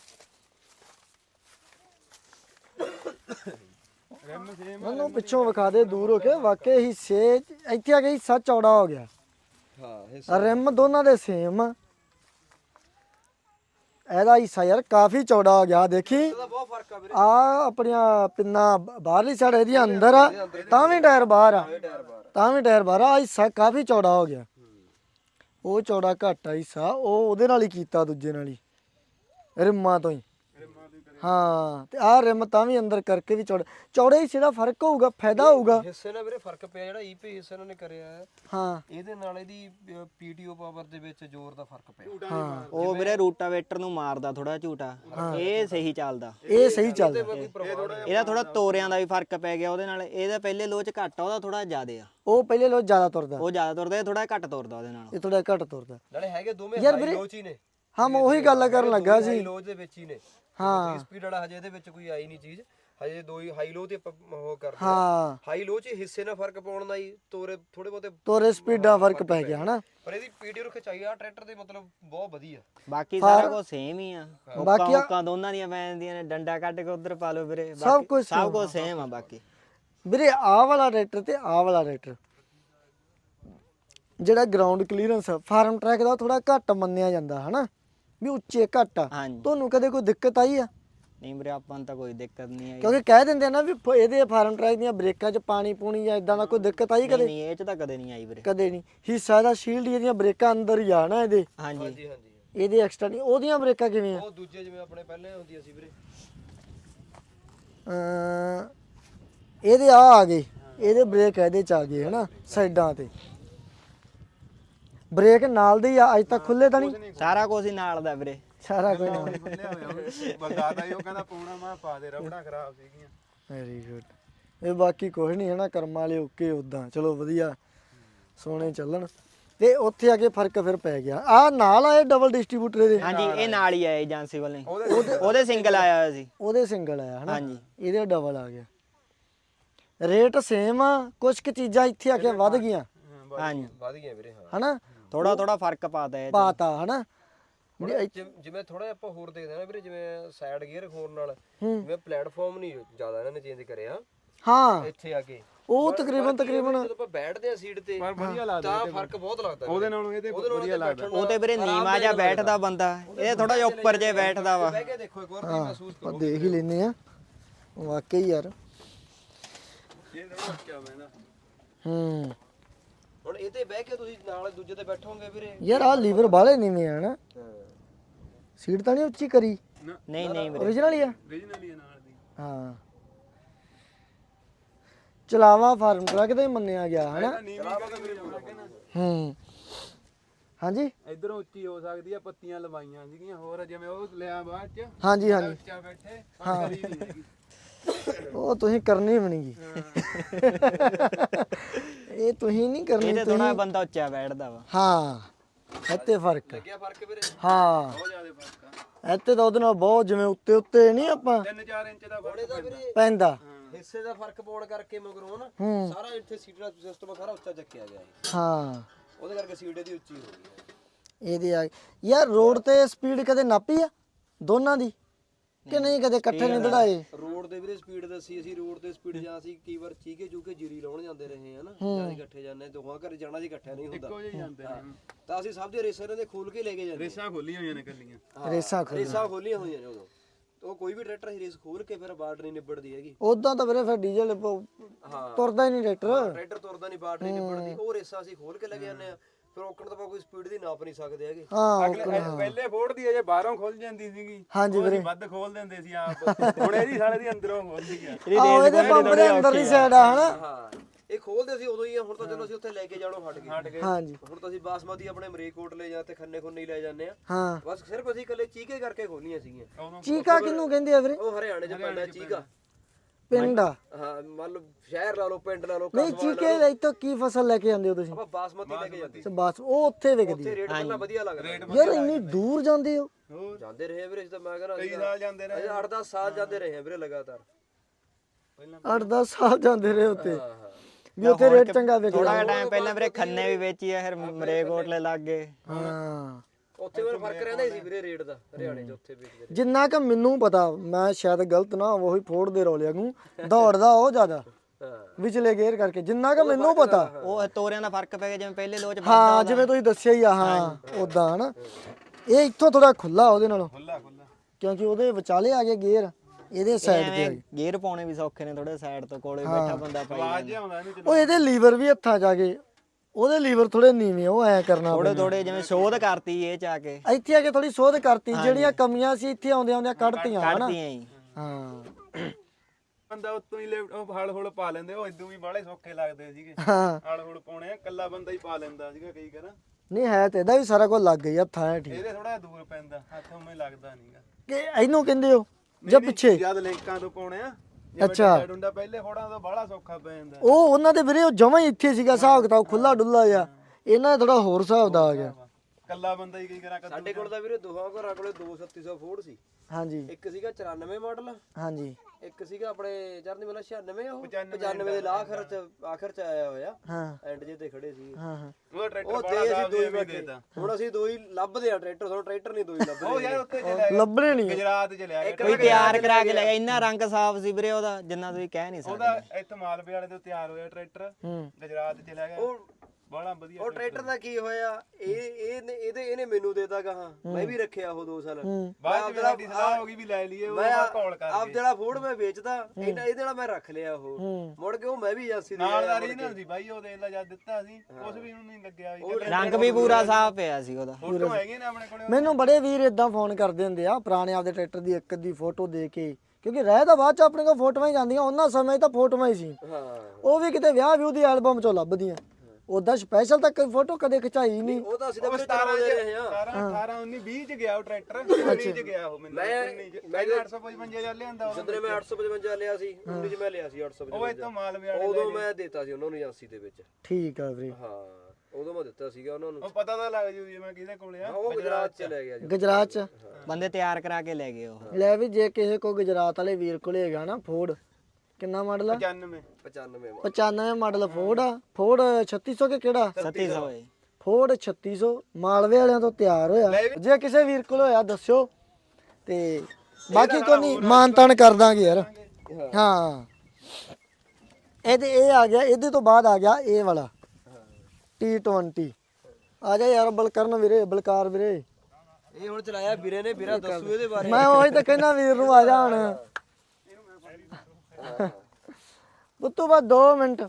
D: ਰਿਮ ਸੇਮ
A: ਮੈਨੂੰ ਪਿੱਛੋਂ ਵਿਖਾ ਦੇ ਦੂਰ ਹੋ ਕੇ ਵਾਕਈ ਹਿੱਸੇ ਇੱਥੇ ਆ ਕੇ ਹਿੱਸਾ ਚੌੜਾ ਹੋ ਗਿਆ
C: ਹਾਂ ਹਿੱਸਾ
A: ਰਿਮ ਦੋਨਾਂ ਦੇ ਸੇਮ ਆ ਇਹਦਾ ਹਿੱਸਾ ਯਾਰ ਕਾਫੀ ਚੌੜਾ ਹੋ ਗਿਆ ਦੇਖੀ
C: ਦਾ ਬਹੁਤ ਫਰਕ ਆ ਵੀਰੇ
A: ਆ ਆਪਣੀਆਂ ਪਿੰਨਾਂ ਬਾਹਰਲੀ ਸਾਈਡ ਇਹਦੀ ਅੰਦਰ ਆ ਤਾਂ ਵੀ ਟਾਇਰ ਬਾਹਰ ਆ
C: ਟਾਇਰ ਬਾਹਰ
A: ਤਾਂ ਵੀ ਟਾਇਰ ਬਾਹਰ ਆ ਹਿੱਸਾ ਕਾਫੀ ਚੌੜਾ ਹੋ ਗਿਆ ਉਹ ਚੌੜਾ ਘੱਟ ਆ ਹਿੱਸਾ ਉਹ ਉਹਦੇ ਨਾਲ ਹੀ ਕੀਤਾ ਦੂਜੇ ਨਾਲ ਹੀ ਰਿਮਾਂ ਤੋਂ ਹੀ ਹਾਂ ਤੇ ਆਹ ਰਿਮ ਤਾਂ ਵੀ ਅੰਦਰ ਕਰਕੇ ਵੀ ਚੌੜੇ ਚੌੜੇ ਹਿੱਸੇ ਦਾ ਫਰਕ ਹੋਊਗਾ ਫਾਇਦਾ ਹੋਊਗਾ
C: ਹਿੱਸੇ ਨਾਲ ਵੀਰੇ ਫਰਕ ਪਿਆ ਜਿਹੜਾ ਈਪੀ ਹਿੱਸੇ ਨਾਲ ਨੇ ਕਰਿਆ ਹੈ
A: ਹਾਂ
C: ਇਹਦੇ ਨਾਲ ਇਹਦੀ ਪੀਟੀਓ ਪਾਵਰ ਦੇ ਵਿੱਚ ਜ਼ੋਰ ਦਾ ਫਰਕ ਪਿਆ
A: ਹਾਂ
B: ਉਹ ਵੀਰੇ ਰੂਟਾਵੇਟਰ ਨੂੰ ਮਾਰਦਾ ਥੋੜਾ ਝੂਟਾ ਇਹ ਸਹੀ ਚੱਲਦਾ
A: ਇਹ ਸਹੀ ਚੱਲਦਾ
B: ਇਹਦਾ ਥੋੜਾ ਤੋਰਿਆਂ ਦਾ ਵੀ ਫਰਕ ਪੈ ਗਿਆ ਉਹਦੇ ਨਾਲ ਇਹਦਾ ਪਹਿਲੇ ਲੋਚ ਘੱਟ ਆ ਉਹਦਾ ਥੋੜਾ ਜ਼ਿਆਦਾ ਆ
A: ਉਹ ਪਹਿਲੇ ਲੋ ਜ਼ਿਆਦਾ ਤੁਰਦਾ
B: ਉਹ ਜ਼ਿਆਦਾ ਤੁਰਦਾ ਇਹ ਥੋੜਾ ਘੱਟ ਤੁਰਦਾ ਉਹਦੇ ਨਾਲ
A: ਇਹ ਥੋੜਾ ਘੱਟ ਤੁਰਦਾ
C: ਨਾਲੇ ਹੈਗੇ ਦੋਵੇਂ ਹਾਈ ਲੋਚ ਹੀ ਨੇ
A: ਹਾਂ ਮੈਂ ਉਹੀ ਗੱਲ ਕਰਨ ਲੱਗਾ ਸੀ।
C: ਹਾਈ ਲੋ ਦੇ ਵਿੱਚ ਹੀ ਨੇ
A: ਹਾਂ
C: ਥ੍ਰੀ ਸਪੀਡ ਵਾਲਾ ਹਜੇ ਇਹਦੇ ਵਿੱਚ ਕੋਈ ਆਈ ਨਹੀਂ ਚੀਜ਼, ਹਜੇ ਦੋ ਹੀ ਹਾਈ ਲੋ ਤੇ ਆਪਾਂ ਉਹ ਕਰਦੇ
A: ਹਾਂ
C: ਹਾਈ ਲੋ ਚ ਹਿੱਸੇ ਨਾਲ ਫਰਕ ਪਾਉਣ ਦਾ ਹੀ ਤੋਰੇ ਥੋੜੇ ਬਹੁਤੇ,
A: ਤੋਰੇ ਸਪੀਡਾਂ ਫਰਕ ਪੈ ਗਿਆ ਹਨਾ।
C: ਪਰ ਇਹਦੀ ਪੀਡੀ ਨੂੰ ਖਿਚਾਈ ਆ ਟਰੈਕਟਰ ਦੇ ਮਤਲਬ ਬਹੁਤ ਵਧੀਆ।
B: ਬਾਕੀ ਸਾਰਾ ਕੁਝ ਸੇਮ ਹੀ ਆ,
A: ਬਾਕੀ
B: ਬਾਕੀ
A: ਆ-
B: ਹੁੱਕਾਂ ਦੋਨਾਂ ਦੀਆਂ ਪੈ ਜਾਂਦੀਆਂ ਨੇ, ਡੰਡਾ ਕੱਢ ਕੇ ਉਧਰ ਪਾ ਲਓ ਵੀਰੇ,
A: ਸਭ
B: ਬਾਕੀ
A: ਕੁਛ
B: ਸਭ ਕੁਝ ਸੇਮ ਆ। ਬਾਕੀ
A: ਵੀਰੇ ਆਹ ਵਾਲਾ ਟਰੈਕਟਰ ਤੇ ਆਹ ਵਾਲਾ ਟਰੈਕਟਰ ਜਿਹੜਾ ਗਰਾਊਂਡ ਕਲੀਅਰੈਂਸ ਫਾਰਮ ਟਰੈਕ ਦਾ ਥੋੜਾ ਘੱਟ ਮੰਨਿਆ ਜਾਂਦਾ ਹਨਾ, ਵੀ ਉੱਚੇ ਘੱਟ ਆ।
B: ਹਾਂਜੀ
A: ਤੁਹਾਨੂੰ ਕਦੇ ਕੋਈ ਦਿੱਕਤ ਆਈ ਆ?
B: ਨਹੀਂ ਵੀਰੇ ਆਪਾਂ ਨੂੰ ਤਾਂ ਕੋਈ ਦਿੱਕਤ ਨਹੀਂ ਆਈ।
A: ਕਿਉਂਕਿ ਕਹਿ ਦਿੰਦੇ ਆ ਨਾ ਵੀ ਫ- ਇਹਦੇ ਫਾਰਮ ਟਰੈਕ ਦੀਆਂ ਬ੍ਰੇਕਾਂ 'ਚ ਪਾਣੀ ਪੂਣੀ ਜਾਂ ਇਦਾਂ ਦਾ ਕੋਈ ਦਿੱਕਤ ਆਈ
B: ਨਹੀਂ
A: ਕਦੇ?
B: ਨਹੀਂ ਇਹ ਚ ਤਾਂ ਕਦੇ ਨਹੀਂ ਆਈ ਵੀਰੇ।
A: ਕਦੇ ਨਹੀਂ। ਹਿੱਸਾ ਦਾ ਸ਼ੀਲਡ ਇਹਦੀਆਂ ਬ੍ਰੇਕਾਂ ਅੰਦਰ ਹੀ ਆ ਨਾ ਇਹਦੇ,
B: ਹਾਂਜੀ
C: ਹਾਂਜੀ ਹਾਂਜੀ
A: ਇਹਦੇ ਐਕਸਟਰਾ ਨਹੀਂ। ਉਹਦੀਆਂ ਬ੍ਰੇਕਾਂ ਕਿਵੇਂ ਆ?
C: ਉਹ ਦੂਜੇ ਜਿਵੇਂ ਆਪਣੇ ਪਹਿਲੇ ਹੁੰਦੀਆਂ ਸੀ ਵੀਰੇ,
A: ਅਮ ਇਹਦੇ ਆ ਆ ਗਏ, ਇਹਦੇ ਬ੍ਰੇਕ ਇਹਦੇ ਚ ਆ ਗਏ ਹਨਾ ਸਾਈਡਾਂ ਤੇ। ਬ੍ਰੇਕ ਨਾਲ ਦੇ ਹੀ ਆ, ਅੱਜ ਤੱਕ ਖੁੱਲੇ ਤਾਂ ਨਹੀਂ?
B: ਸਾਰਾ ਕੁਝ ਹੀ ਨਾਲ ਦਾ ਵੀਰੇ।
A: ਸਾਰਾ ਕੁਝ ਨਾਲ।
D: ਖੁੱਲਿਆ ਹੋਇਆ ਉਹ ਬੰਦਾ ਦਾ ਹੀ, ਉਹ ਕਹਿੰਦਾ ਪਾਉਣਾ ਮੈਂ ਪਾ ਦੇ, ਰਬੜਾਂ ਖਰਾਬ ਸੀਗੀਆਂ।
A: Very good. ਇਹ ਬਾਕੀ ਕੁਝ ਨਹੀਂ ਹਨਾ, ਕਰਮਾਂ ਵਾਲੇ ਓਕੇ ਉਦਾਂ ਚਲੋ ਵਧੀਆ ਸੋਹਣੇ ਚੱਲਣ। ਤੇ ਉੱਥੇ ਆ ਕੇ ਫਰਕ ਫਿਰ ਪੈ ਗਿਆ। ਆ ਨਾਲ ਆਏ ਡਬਲ ਡਿਸਟ੍ਰੀਬਿਊਟਰ ਇਹਦੇ,
B: ਹਾਂਜੀ ਇਹ ਨਾਲ ਹੀ ਆਇਆ ਏਜੰਸੀ ਵਾਲੇ, ਉਹਦੇ ਸਿੰਗਲ ਆਇਆ ਹੋਇਆ ਸੀ।
A: ਉਹਦੇ ਸਿੰਗਲ ਆਇਆ ਹਨਾ,
B: ਹਾਂਜੀ।
A: ਇਹਦੇ ਡਬਲ ਆ ਗਿਆ। ਰੇਟ ਸੇਮ ਆ, ਕੁਝ ਕੁ ਚੀਜ਼ਾਂ ਇੱਥੇ ਆ ਕੇ ਵੱਧ ਗਈਆਂ
B: ਹਾਂਜੀ
C: ਵਧ ਗਈਆਂ ਵੀਰੇ। ਹਾਂ
A: ਹਨਾ,
B: ਥੋੜਾ ਥੋੜਾ ਫਰਕ ਪਾਤਾ ਇਹ ਚ।
A: ਪਾਤਾ ਹਨਾ।
C: ਹੁਣ ਜਿ- ਜਿਵੇਂ ਥੋੜਾ ਆਪਾਂ ਹੋਰ ਦੇਖਦੇ ਆ ਨਾ ਵੀਰੇ, ਜਿਵੇਂ ਸਾਈਡ ਗੇਅਰ ਖੋਣ ਨਾਲ ਜਿਵੇਂ ਪਲੇਟਫਾਰਮ ਨਹੀਂ ਜ਼ਿਆਦਾ ਇਹਨਾਂ ਨੇ ਚੇਂਜ ਕਰਿਆ
A: ਹਾਂ
C: ਇੱਥੇ ਆ ਕੇ।
A: ਉਹ ਤਕਰੀਬਨ ਤਕਰੀਬਨ
C: ਜਦੋਂ ਆਪਾਂ ਬੈਠਦੇ ਆ ਸੀਟ ਤੇ
D: ਪਰ ਵਧੀਆ ਲੱਗਦਾ
C: ਤਾਂ ਫਰਕ ਬਹੁਤ ਲੱਗਦਾ
D: ਉਹਦੇ ਨਾਲੋਂ ਇਹਦੇ ਵਧੀਆ ਲੱਗਦਾ।
B: ਉਹ ਤੇ ਵੀਰੇ ਨੀਵਾਂ ਜਿਹਾ ਬੈਠਦਾ ਬੰਦਾ, ਇਹ ਥੋੜਾ ਜਿਹਾ ਉੱਪਰ ਜੇ ਬੈਠਦਾ ਵਾ।
C: ਬਹਿ ਕੇ ਦੇਖੋ ਇੱਕ ਵਾਰ ਤੁਸੀਂ ਮਹਿਸੂਸ
A: ਆਪਾਂ ਦੇਖ ਹੀ ਲੈਨੇ ਆ ਵਾਕਈ ਯਾਰ।
D: ਇਹ ਥੋੜਾ ਕਿਆ ਬੈਂਦਾ
A: ਹੂੰ
C: ਹੁਣ ਇਹ ਤੇ ਬਹਿ ਕੇ ਤੁਸੀਂ ਨਾਲ ਦੂਜੇ ਤੇ ਬੈਠੋਗੇ ਵੀਰੇ।
A: ਯਾਰ ਆ ਲੀਵਰ ਬਾਲੇ ਨੀਵੇਂ ਆ ਨਾ, ਸੀਟ ਤਾਂ ਨਹੀਂ ਉੱਚੀ ਕਰੀ,
B: ਨਹੀਂ ਨਹੀਂ ਵੀਰੇ
A: ਓਰੀਜਨਲ ਹੀ ਆ।
D: ਰੀਜਨਲੀ ਨਾਲ ਦੀ
A: ਹਾਂ ਚਲਾਵਾ ਫਾਰਮ ਟਰੱਕ ਦਾ ਹੀ ਮੰਨਿਆ ਗਿਆ ਹਨਾ।
D: ਨੀਵੀਂ ਕਦੇ ਮੇਰੇ ਬਣਾ ਕੇ ਨਾ
A: ਹੂੰ ਹਾਂਜੀ
D: ਇਧਰੋਂ ਉੱਚੀ ਹੋ ਸਕਦੀ ਆ, ਪੱਤੀਆਂ ਲਵਾਈਆਂ ਸੀਗੀਆਂ ਹੋਰ, ਜਿਵੇਂ ਉਹ ਲਿਆ ਬਾਅਦ ਚ
A: ਹਾਂਜੀ ਹਾਂਜੀ
D: ਉੱਚਾ ਬੈਠੇ ਹਾਂ ਕਰੀ ਨਹੀਂ ਹੈਗੀ।
A: ਉਹ ਤੁਸੀਂ ਕਰਨੀ ਵੀ ਨਹੀਂਗੀ, ਇਹ ਤੁਸੀਂ ਨਹੀਂ ਕਰਨੀ।
B: ਇਹ ਤੇ ਥੋੜਾ ਬੰਦਾ ਉੱਚਾ ਬੈਠਦਾ ਵਾ।
A: ਹਾਂ ਇੱਥੇ ਫਰਕ ਆ।
C: ਲੱਗਿਆ ਫਰਕ ਵੀਰੇ?
A: ਹਾਂ
D: ਬਹੁਤ ਜ਼ਿਆਦਾ ਫਰਕ ਆ।
A: ਇੱਥੇ ਤਾਂ ਉਹਦੇ ਨਾਲ ਬਹੁਤ ਜਿਵੇਂ ਉੱਤੇ ਉੱਤੇ ਨਹੀਂ ਆਪਾਂ
D: ਤਿੰਨ ਚਾਰ ਇੰਚ ਦਾ ਫਰਕ
C: ਇਹਦਾ
D: ਪੈਂਦਾ।
C: ਵੀਰੇ
A: ਪੈਂਦਾ।
C: ਹਿੱਸੇ ਦਾ ਫਰਕ ਪਾਉਣ ਕਰਕੇ ਮਗਰੋਂ ਨਾ
A: ਹੂੰ
C: ਸਾਰਾ ਇੱਥੇ ਸੀਟ ਦਾ ਸਿਸਟਮ ਸਾਰਾ ਉੱਚਾ ਚੱਕਿਆ ਗਿਆ ਹੈ।
A: ਹਾਂ
C: ਉਹਦੇ ਕਰਕੇ ਸੀਟ ਇਹਦੀ ਉੱਚੀ ਹੋ ਗਈ ਹੈ।
A: ਇਹਦੇ ਆ ਯਾਰ ਰੋਡ ਤੇ ਸਪੀਡ ਕਦੇ ਨਾਪੀ ਆ ਦੋਨਾਂ ਦੀ ਕਿ ਨਹੀਂ? ਕਦੇ ਇਕੱਠੇ ਨਹੀਂ ਦੜਾਏ?
C: ਰੋਡ ਦੇ ਵੀਰੇ ਸਪੀਡ ਦੱਸੀ ਅਸੀਂ, ਰੋਡ ਤੇ ਸਪੀਡ ਜਾਂ ਅਸੀਂ ਕਈ ਵਾਰ ਚੀਕੇ ਚੂਕੇ ਜੀਰੀ ਲਾਉਣ ਜਾਂਦੇ ਰਹੇ ਹਾਂ ਨਾ, ਜਾਂ ਅਸੀਂ ਇਕੱਠੇ ਜਾਂਦੇ ਦੋਹਾਂ ਘਰ ਜਾਣਾ ਜੀ ਇਕੱਠਿਆ ਨਹੀਂ ਹੁੰਦਾ,
D: ਇੱਕੋ ਜਿਹੇ ਜਾਂਦੇ ਨੇ
C: ਤਾਂ ਅਸੀਂ ਸਭ ਦੇ ਰੇਸਾਂ ਇਹਨਾਂ ਦੇ ਖੋਲ ਕੇ ਲੈ ਕੇ ਜਾਂਦੇ।
D: ਰੇਸਾਂ ਖੋਲੀਆਂ ਹੋਈਆਂ ਨੇ ਕੱਲੀਆਂ।
C: ਹਾਂ,
A: ਰੇਸਾਂ ਖੋਲ
C: ਰੇਸਾਂ ਖੋਲੀਆਂ ਹੋਈਆਂ ਨੇ ਉਦੋਂ। ਉਹ ਕੋਈ ਵੀ ਟਰੈਕਟਰ ਹੀ ਰੇਸ ਖੋਲ ਕੇ ਫਿਰ ਬਾਰਡਰ ਨਹੀਂ ਨਿਬੜਦੀ ਹੈਗੀ।
A: ਉਦਾਂ ਤਾਂ ਵੀਰੇ ਫਿਰ ਡੀਜ਼ਲ
C: ਹਾਂ
A: ਤੁਰਦਾ ਹੀ ਨਹੀਂ ਟਰੈਕਟਰ।
C: ਟਰੈਕਟਰ ਤੁਰਦਾ ਨਹੀਂ, ਬਾਰਡਰ ਨਹੀਂ ਨਿਬੜਦੀ। ਉਹ ਰੇਸਾਂ ਅਸੀਂ ਖੋਲ ਕੇ ਲੈ ਕੇ ਜਾਂਦੇ ਆ, ਫਿਰ ਔਕਣ ਤੋਂ ਆਪਾਂ ਕੋਈ ਸਪੀਡ ਦੀ ਨਾਪ ਨਹੀਂ ਸਕਦੇ ਹੈਗੇ।
A: ਹਾਂ
D: ਅਗਲੇ ਪਹਿਲੇ ਫੋੜ ਦੀ ਅਜੇ ਬਾਹਰੋਂ ਖੁੱਲ ਜਾਂਦੀ ਸੀਗੀ,
A: ਹਾਂਜੀ
D: ਉਹ ਅਸੀਂ
A: ਵੀਰੇ।
D: ਵੱਧ ਖੋਲ ਦਿੰਦੇ ਸੀ ਆਪ। ਹੁਣ ਇਹਦੀ ਸਾਲੇ ਦੀ ਅੰਦਰੋਂ ਖੁੱਲਦੀ ਆ।
A: ਆਹ ਇਹਦੇ ਪੰਪ ਦੇ ਅੰਦਰਲੀ ਸਾਈਡ ਆ ਹਨਾ।
C: ਹਾਂ ਇਹ ਖੋਲਦੇ ਸੀ ਉਦੋਂ ਹੀ ਆ, ਹੁਣ ਤਾਂ ਚਲੋ ਅਸੀਂ ਉੱਥੇ ਲੈ ਕੇ ਜਾਣੋਂ ਹਟ ਗਏ।
A: ਹਾਂਜੀ
C: ਹੁਣ ਤਾਂ ਅਸੀਂ ਬਾਸਮਤੀ ਆਪਣੇ ਮਰੀਕੋਟ ਲੈ ਜਾਂ ਤੇ ਖੰਨੇ ਖੁੰਨੇ ਹੀ ਲੈ ਜਾਂਦੇ ਆ।
A: ਹਾਂ
C: ਬਸ ਸਿਰਫ ਅਸੀਂ ਇਕੱਲੇ ਚੀਕੇ ਕਰਕੇ ਖੋਲੀਆਂ ਸੀਗੀਆਂ।
D: ਉਦੋਂ
A: ਚੀਕਾ ਕਿਹਨੂੰ ਕਹਿੰਦੇ ਆ ਵੀਰੇ?
C: ਉਹ ਹਰਿਆਣੇ ਚ ਪੈਂਦਾ ਚੀਕਾ।
A: ਪਿੰਡ ਆ?
C: ਹਾਂ ਮੰਨ ਲਓ ਸ਼ਹਿਰ ਲਾ ਲਓ, ਪਿੰਡ ਲਾ ਲਓ,
A: ਨਹੀਂ
C: ਕਸਬਾ ਲਾ
A: ਚੀਕੇ
C: ਲਓ।
A: ਇੱਥੋਂ ਕੀ ਫਸਲ ਲੈ ਕੇ ਜਾਂਦੇ ਹੋ ਤੁਸੀਂ?
C: ਆਪਾਂ ਬਾਸਮਤੀ ਲੈ ਕੇ ਜਾਂਦੇ ਸੀ।
A: ਬਸ ਉਹ ਉੱਥੇ ਵਿਕਦੀ
C: ਉੱਥੇ
A: ਆ।
C: ਰੇਟ ਪਹਿਲਾਂ ਵਧੀਆ ਲੱਗਦਾ।
A: ਯਾਰ ਇੰਨੀ ਦੂਰ ਜਾਂਦੇ ਹੋ?
D: ਹੋਰ
C: ਜਾਂਦੇ ਰਹੇ ਵੀਰੇ, ਅਸੀਂ ਤਾਂ ਮੈਂ ਕਹਿੰਦਾ
D: ਕਈ ਸਾਲ ਜਾਂਦੇ ਰਹੇ।
C: ਅਸੀਂ ਅੱਠ ਦਸ ਸਾਲ ਜਾਂਦੇ ਰਹੇ ਆ ਵੀਰੇ ਲਗਾਤਾਰ।
A: ਅੱਠ ਦਸ ਸਾਲ ਜਾਂਦੇ ਰਹੇ ਉੱਥੇ,
C: ਹਾਂ ਹਾਂ
A: ਵੀ ਉੱਥੇ ਰੇਟ ਚੰਗਾ ਵਿਕਦਾ।
B: ਥੋੜਾ ਟਾਈਮ ਪਹਿਲਾਂ ਵੀਰੇ ਖੰਨੇ ਵੀ ਵੇਚੀ ਆ, ਫਿਰ ਮਰੇਕੋਟਲੇ ਲੱਗ ਗਏ।
A: ਹਾਂ
C: ਉੱਥੇ ਮੈਨੂੰ ਫਰਕ ਰਹਿੰਦਾ ਹੀ ਸੀ ਵੀਰੇ ਰੇਟ ਦਾ, ਹਰਿਆਣੇ ਚ ਉੱਥੇ ਵੇਚਦੇ ਰਹੇ।
A: ਜਿੰਨਾ ਕਿ ਮੈਨੂੰ ਪਤਾ, ਮੈਂ ਸ਼ਾਇਦ ਗਲਤ ਨਾ ਉਹੀ ਫੋੜ ਦੇ ਰੌਲਿਆਂ ਨੂੰ ਦੌੜਦਾ ਉਹ ਜ਼ਿਆਦਾ
C: ਹਾਂ
A: ਵਿਚਲੇ ਗੇਅਰ ਕਰਕੇ, ਜਿੰਨਾ ਕਿ ਮੈਨੂੰ ਪਤਾ।
B: ਉਹ ਤੋਰਿਆਂ ਦਾ ਫਰਕ ਪੈ ਗਿਆ, ਜਿਵੇਂ ਪਹਿਲੇ ਲੋਚ
A: ਹਾਂ ਜਿਵੇਂ ਤੁਸੀਂ ਦੱਸਿਆ ਹੀ ਆ, ਹਾਂ ਉਦਾਂ ਹਨਾ। ਇਹ ਇੱਥੋਂ ਥੋੜਾ ਖੁੱਲਾ ਉਹਦੇ ਨਾਲੋਂ,
D: ਖੁੱਲਾ ਖੁੱਲਾ
A: ਕਿਉਂਕਿ ਉਹਦੇ ਵਿਚਾਲੇ ਆ ਗਏ ਗੇਅਰ, ਇਹਦੇ ਸਾਈਡ ਤੇ ਆ ਗਏ।
B: ਗੇਅਰ ਪਾਉਣੇ ਵੀ ਸੌਖੇ ਨੇ, ਥੋੜੇ ਸਾਈਡ ਤੋਂ ਕੋਲੇ ਬੈਠਾ ਬੰਦਾ ਪਾਈ
D: ਆਵਾਜ਼ ਜਿਹਾ ਆਉਂਦਾ ਇਹਨੂੰ।
A: ਉਹ ਇਹਦੇ ਲੀਵਰ ਵੀ ਹੱਥਾਂ 'ਚ ਆ ਗਏ, ਉਹਦੇ ਲੀਵਰ ਥੋੜੇ ਨੀਵੇਂ, ਉਹ ਐ ਕਰਨਾ
B: ਥੋੜੇ ਥੋੜੇ ਜਿਵੇਂ ਸ਼ੋਧ ਕਰਤੀ ਇਹ ਚ ਆ ਕੇ,
A: ਇੱਥੇ ਆ ਕੇ ਥੋੜੀ ਸੋਧ ਕਰਤੀ, ਜਿਹੜੀਆਂ ਕਮੀਆਂ ਸੀ ਇੱਥੇ ਆਉਂਦੇ ਆਉਂਦਿਆਂ ਕੱਢਤੀਆਂ ਹਨਾ।
B: ਕੱਢਤੀਆਂ ਹੀ।
A: ਹਾਂ
D: ਬੰਦਾ ਉਤੋਂ ਹੀ ਲਿਫਟ ਉਹ ਹਲ ਹੁਲ ਪਾ ਲੈਂਦੇ, ਉਹ ਇਦੋਂ ਵੀ ਬਾਹਲੇ ਸੌਖੇ ਲੱਗਦੇ ਸੀਗੇ।
A: ਹਾਂ
D: ਹਲ ਹੁਲ ਪਾਉਣੇ ਆ, ਕੱਲਾ ਬੰਦਾ ਹੀ ਪਾ ਲੈਂਦਾ ਸੀਗਾ ਕਈ ਵਾਰ।
A: ਨਹੀਂ ਹੈ ਤੇ ਇਹਦਾ ਵੀ ਸਾਰਾ ਕੁਝ ਲੱਗ ਗਈ ਹੱਥਾਂ 'ਚ ਠੀਕ।
D: ਇਹਦੇ ਥੋੜਾ ਦੂਰ ਪੈਂਦਾ, ਹੱਥੋਂ ਮੈਂ ਲੱਗਦਾ ਨਹੀਂਗਾ।
A: ਕਿ ਇਹਨੂੰ ਕਹਿੰਦੇ ਹੋ ਜਾਂ ਪਿੱਛੇ?
D: ਜਦ ਲਿੰਕਾਂ ਤੋਂ ਪਾਉਣੇ ਆ,
A: ਅੱਛਾ।
D: ਡੁੰਡਾ ਪਹਿਲੇ ਫੋੜਾਂ ਤੋਂ ਬਾਹਲਾ ਸੌਖਾ ਪੈ ਜਾਂਦਾ।
A: ਉਹ ਉਹਨਾਂ ਦੇ ਵੀਰੇ ਉਹ ਜਮਾਂ ਹੀ ਇੱਥੇ ਸੀਗਾ ਹਿਸਾਬ ਕਿਤਾਬ ਖੁੱਲਾ ਡੁੱਲਾ ਜਿਹਾ, ਇਹਨਾਂ ਦਾ ਥੋੜਾ ਹੋਰ ਹਿਸਾਬ ਦਾ ਆ ਗਿਆ।
D: ਕੱਲਾ ਬੰਦਾ ਹੀ ਕੀ ਕਰਾਂ ਕੱਦੂ
C: ਸਾਡੇ ਕੋਲ ਤਾਂ ਵੀਰੇ ਦੋਹਾਂ ਘਰਾਂ ਕੋਲੇ ਦੋ ਛੱਤੀ ਸੌ ਫੋੜ ਸੀ।
A: ਹਾਂਜੀ
C: ਇੱਕ ਸੀਗਾ ਚੁਰਾਨਵੇਂ ਮਾਡਲ,
A: ਹਾਂਜੀ
C: ਇੱਕ ਸੀਗਾ ਆਪਣੇ ਚਰਨੀ ਵਾਲਾ ਛਿਆਨਵੇਂ, ਉਹ ਪਚਾਨਵੇਂ ਦੇ ਆਖਰ ਚ ਆਖਰ ਚ ਆਇਆ ਹੋਇਆ,
A: ਹਾਂ
C: ਐਂਡ ਜੇ ਤੇ ਖੜੇ ਸੀ।
A: ਹਾਂ ਹਾਂ
D: ਉਹਦਾ ਟਰੈਕਟਰ
C: ਉਹ
D: ਬੜਾ
C: ਤੇ ਅਸੀਂ
D: ਸਾਹਿਬ
C: ਦੋ ਹੀ
D: ਦੇ ਵੀ
C: ਬੈਠੇ।
D: ਦੇਤਾ
C: ਹੁਣ ਅਸੀਂ ਦੋ ਹੀ ਲੱਭਦੇ ਆ ਟਰੈਕਟਰ, ਸਾਨੂੰ ਟਰੈਕਟਰ ਨਹੀਂ ਦੋ ਹੀ ਲੱਭਦੇ।
D: ਉਹ ਯਾਰ ਉੱਤੇ ਚਲਿਆ ਗਿਆ
A: ਲੱਭਣੇ ਨਹੀਂ
D: ਗੁਜਰਾਤ ਚਲਿਆ ਗਿਆ
B: ਕੋਈ ਤਿਆਰ ਕਰਾ ਕੇ ਲੈ ਗਿਆ, ਇੰਨਾ ਰੰਗ ਸਾਫ ਸੀ ਵੀਰੇ ਉਹਦਾ ਜਿੰਨਾ ਤੁਸੀਂ ਕਹਿ ਨਹੀਂ ਸਕਦੇ।
D: ਉਹਦਾ ਇੱਥੇ ਮਾਲਵੇ ਵਾਲੇ ਤੋਂ ਤਿਆਰ ਹੋਇਆ ਟਰੈਕਟਰ,
A: ਹੂੰ
D: ਗੁਜਰਾਤ ਚਲਿਆ ਗਿਆ,
C: ਉਹ
D: ਬੜਾ ਵਧੀਆ
C: ਉਹ ਟਰੈਕਟਰ ਦਾ ਕੀ ਹੋਇਆ, ਇਹ ਇਹਨੇ ਇਹਦੇ ਇਹਨੇ ਮੈਨੂੰ ਦੇਤਾ ਕਹਾ, ਮੈਂ ਵੀ ਰੱਖਿਆ ਉਹ ਦੋ ਸਾਲ।
A: ਹੂੰ
D: ਬਾਅਦ ਚ ਸਾਡੀ ਸਲਾਹ ਹੋ ਗਈ ਵੀ ਲੈ ਲਈਏ, ਉਹ
C: ਮੈਂ
D: ਬਾਅਦ ਕਾਲ
C: ਆਪ
D: ਕਰਕੇ
C: ਜਿਹੜਾ ਫੋੜ ਮੈਂ ਵੇਚਦਾ, ਇਹਨਾਂ ਇਹਦੇ ਨਾਲ ਮੈਂ ਰੱਖ ਲਿਆ ਉਹ।
A: ਹੂੰ
C: ਮੁੜ ਕੇ ਉਹ ਮੈਂ ਵੀ ਏਜੰਸੀ ਦੇ
D: ਨਾਲ ਦਾ ਰੀਜਨਲ ਸੀ ਬਾਈ, ਉਹ ਦੇਖ ਲੈ ਜਦ ਦਿੱਤਾ ਸੀ ਕੁਝ ਵੀ ਉਹਨੂੰ ਨਹੀਂ ਲੱਗਿਆ ਵੀ
B: ਰੰਗ ਵੀ ਪੂਰਾ ਸਾਫ ਪਿਆ ਸੀ ਉਹਦਾ।
D: ਫੋਟੋ ਹੈਗੇ ਨੇ ਆਪਣੇ ਕੋਲੇ।
A: ਮੈਨੂੰ ਬੜੇ ਵੀਰ ਇਦਾਂ ਫੋਨ ਕਰਦੇ ਹੁੰਦੇ ਆ ਪੁਰਾਣੇ ਆਪਦੇ ਟਰੈਕਟਰ ਦੀ ਇੱਕ ਦੀ ਫੋਟੋ ਦੇ ਕੇ, ਕਿਉਂਕਿ ਰਹਿ ਤਾਂ ਬਾਅਦ ਚ ਆਪਣੇ ਕੋਲ ਫੋਟੋਆਂ ਹੀ ਜਾਂਦੀਆਂ, ਉਹਨਾਂ ਸਮੇਂ ਤਾਂ ਫੋਟੋਆਂ ਹੀ ਸੀ,
C: ਹਾਂ
A: ਉਹ ਵੀ ਕਿਤੇ ਵਿਆਹ ਵਿਊ ਦੀ ਐਲਬਮ ਚੋਂ ਲੱਭਦੀਆਂ। ਉਦਾਂ ਸਪੈਸ਼ਲ ਤਾਂ ਕੋਈ ਫੋਟੋ ਕਦੇ ਖਿਚਾਈ ਨਹੀਂ।
C: ਉਹ ਤਾਂ ਅਸੀਂ ਤਾਂ ਚਲਾਉਂਦੇ ਰਹੇ ਆ।
D: ਸਤਾਰਾਂ ਅਠਾਰਾਂ ਉੱਨੀ ਵੀਹ ਚ ਗਿਆ ਉਹ ਟਰੈਕਟਰ, ਉੱਨੀ ਚ ਗਿਆ ਉਹ ਮੈਨੂੰ ਮੈਂ ਅੱਠ ਸੌ ਪਚਵੰਜਾ ਦਾ ਲਿਆਂਦਾ ਉਹ।
C: ਜਦੋਂ ਮੈਂ ਅੱਠ ਸੌ ਪਚਵੰਜਾ ਲਿਆ ਸੀ, ਉੱਨੀ ਚ ਮੈਂ ਲਿਆ ਸੀ ਅੱਠ ਸੌ
D: ਉਹ
C: ਪਚਵੰਜਾ,
D: ਇੱਥੋਂ ਮਾਲਵੇ ਵਾਲੇ
C: ਉਦੋਂ ਮੈਂ ਦਿੱਤਾ ਸੀ ਉਹਨਾਂ ਨੂੰ ਏਜੰਸੀ ਦੇ ਵਿੱਚ।
A: ਠੀਕ ਆ ਵੀਰੇ,
C: ਹਾਂ ਉਦੋਂ ਮੈਂ ਦਿੱਤਾ ਸੀਗਾ ਉਹਨਾਂ ਨੂੰ।
D: ਉਹ ਪਤਾ ਤਾਂ ਲੱਗ ਜੂ ਜੀ ਮੈਂ ਕਿਹਦੇ ਕੋਲੇ ਆ।
C: ਉਹ ਗੁਜਰਾਤ ਚ ਲੈ ਗਿਆ ਜੀ।
A: ਗੁਜਰਾਤ ਚ
B: ਬੰਦੇ ਤਿਆਰ ਕਰਾ ਕੇ ਲੈ ਗਏ ਉਹ।
A: ਲੈ ਵੀ ਜੇ ਕਿਸੇ ਕੋ ਗੁਜਰਾਤ ਵਾਲੇ ਵੀਰ ਕੋਲੇ ਹੈਗਾ ਨਾ ਫੋਰਡ, ਕਿੰਨਾ ਮਾਡਲ ਆ?
D: ਪਚਾਨਵੇਂ
C: ਪਚਾਨਵੇਂ
A: ਪਚਾਨਵੇਂ ਮਾਡਲ ਫੋਰਡ ਆ, ਫੋਰਡ ਛੱਤੀ ਸੌ ਕਿ ਕਿਹੜਾ?
B: ਛੱਤੀ ਸੌ ਏ।
A: ਫੋਰਡ ਛੱਤੀ ਸੌ ਮਾਲਵੇ ਵਾਲਿਆਂ ਤੋਂ ਤਿਆਰ ਹੋਇਆ। ਜੇ ਕਿਸੇ ਵੀਰ ਕੋਲ ਹੋਇਆ ਦੱਸਿਓ, ਤੇ ਬਾਕੀ ਕੋਈ ਨਹੀਂ ਮਾਨ ਤਾਨ ਕਰ ਦਾਂਗੇ ਯਾਰ। ਹਾਂ ਇਹਦੇ ਇਹ ਆ ਗਿਆ, ਇਹਦੇ ਤੋਂ ਬਾਅਦ ਆ ਗਿਆ ਇਹ ਵਾਲਾ ਟੀ ਟਵੰਟੀ। ਆ ਜਾ ਯਾਰ ਬਲਕਰਨ ਵੀਰੇ, ਬਲਕਾਰ ਵੀਰੇ,
C: ਇਹ ਹੁਣ ਚਲਾਇਆ ਵੀਰੇ ਨੇ, ਵੀਰਾ ਦੱਸੂ ਇਹਦੇ ਬਾਰੇ।
A: ਮੈਂ ਉਹੀ ਤਾਂ ਕਹਿੰਦਾ ਵੀਰ ਨੂੰ ਆ ਜਾ ਹੁਣ। ਉਸ ਤੋਂ ਬਾਅਦ ਦੋ ਮਿੰਟ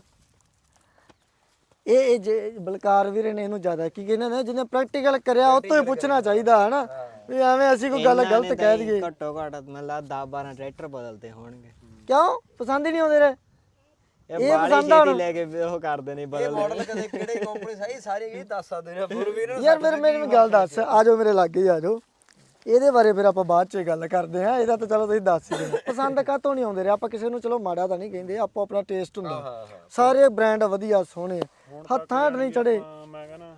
A: ਇਹ ਇਹ ਜੇ ਬਲਕਾਰ ਵੀਰੇ ਨੇ ਇਹਨੂੰ ਜ਼ਿਆਦਾ ਕੀ ਕਹਿੰਦੇ ਨੇ, ਜਿਹਨੇ ਪ੍ਰੈਕਟੀਕਲ ਕਰਿਆ ਉਹ ਤੋਂ ਹੀ ਪੁੱਛਣਾ ਚਾਹੀਦਾ ਹੈ ਨਾ, ਵੀ ਐਵੇਂ ਅਸੀਂ ਕੋਈ ਗੱਲ ਗਲਤ ਕਹਿ ਦਈਏ।
B: ਘੱਟੋ ਘੱਟ ਮੈਨੂੰ ਲੱਗਦਾ ਦਸ ਬਾਰਾਂ ਟਰੈਕਟਰ ਬਦਲਦੇ ਹੋਣਗੇ।
A: ਕਿਉਂ ਪਸੰਦ ਹੀ ਨਹੀਂ ਆਉਂਦੇ ਰੇ?
B: ਇਹ ਬਾਲੀ ਛੇਤੀ ਲੈ ਕੇ ਉਹ ਕਰਦੇ ਨੇ
C: ਇਹ
B: ਬਦਲ।
C: ਮਾਡਲ ਕਦੇ ਕਿਹੜੇ ਕੰਪਨੀ ਸਹੀ ਸਾਰੇ ਇਹ ਦੱਸ ਸਕਦੇ ਨੇ ਫਿਰ ਵੀਰ ਨੂੰ।
A: ਯਾਰ ਮੇਰੇ ਮੈਨੂੰ ਗੱਲ ਦੱਸ, ਆ ਜਾਓ ਮੇਰੇ ਲਾਗੇ ਹੀ ਆ ਜਾਓ, ਇਹਦੇ ਬਾਰੇ ਫਿਰ ਆਪਾਂ ਬਾਅਦ ਚ ਗੱਲ ਕਰਦੇ ਹਾਂ। ਇਹਦਾ ਤਾਂ ਚਲੋ ਤੁਸੀਂ ਦੱਸ ਹੀ ਦਿਓ ਪਸੰਦ ਕਾਹਤੋਂ ਨਹੀਂ ਆਉਂਦੇ ਰੇ। ਆਪਾਂ ਕਿਸੇ ਨੂੰ ਚਲੋ ਮਾੜਾ ਤਾਂ ਨਹੀਂ ਕਹਿੰਦੇ, ਆਪੋ ਆਪਣਾ ਟੇਸਟ ਹੁੰਦਾ। ਸਾਰੇ ਬ੍ਰਾਂਡ ਵਧੀਆ ਸੋਹਣੇ, ਹੱਥਾਂ ਹੱਟ ਨਹੀਂ ਚੜੇ।
E: ਮੈਂ ਕਹਿੰਦਾ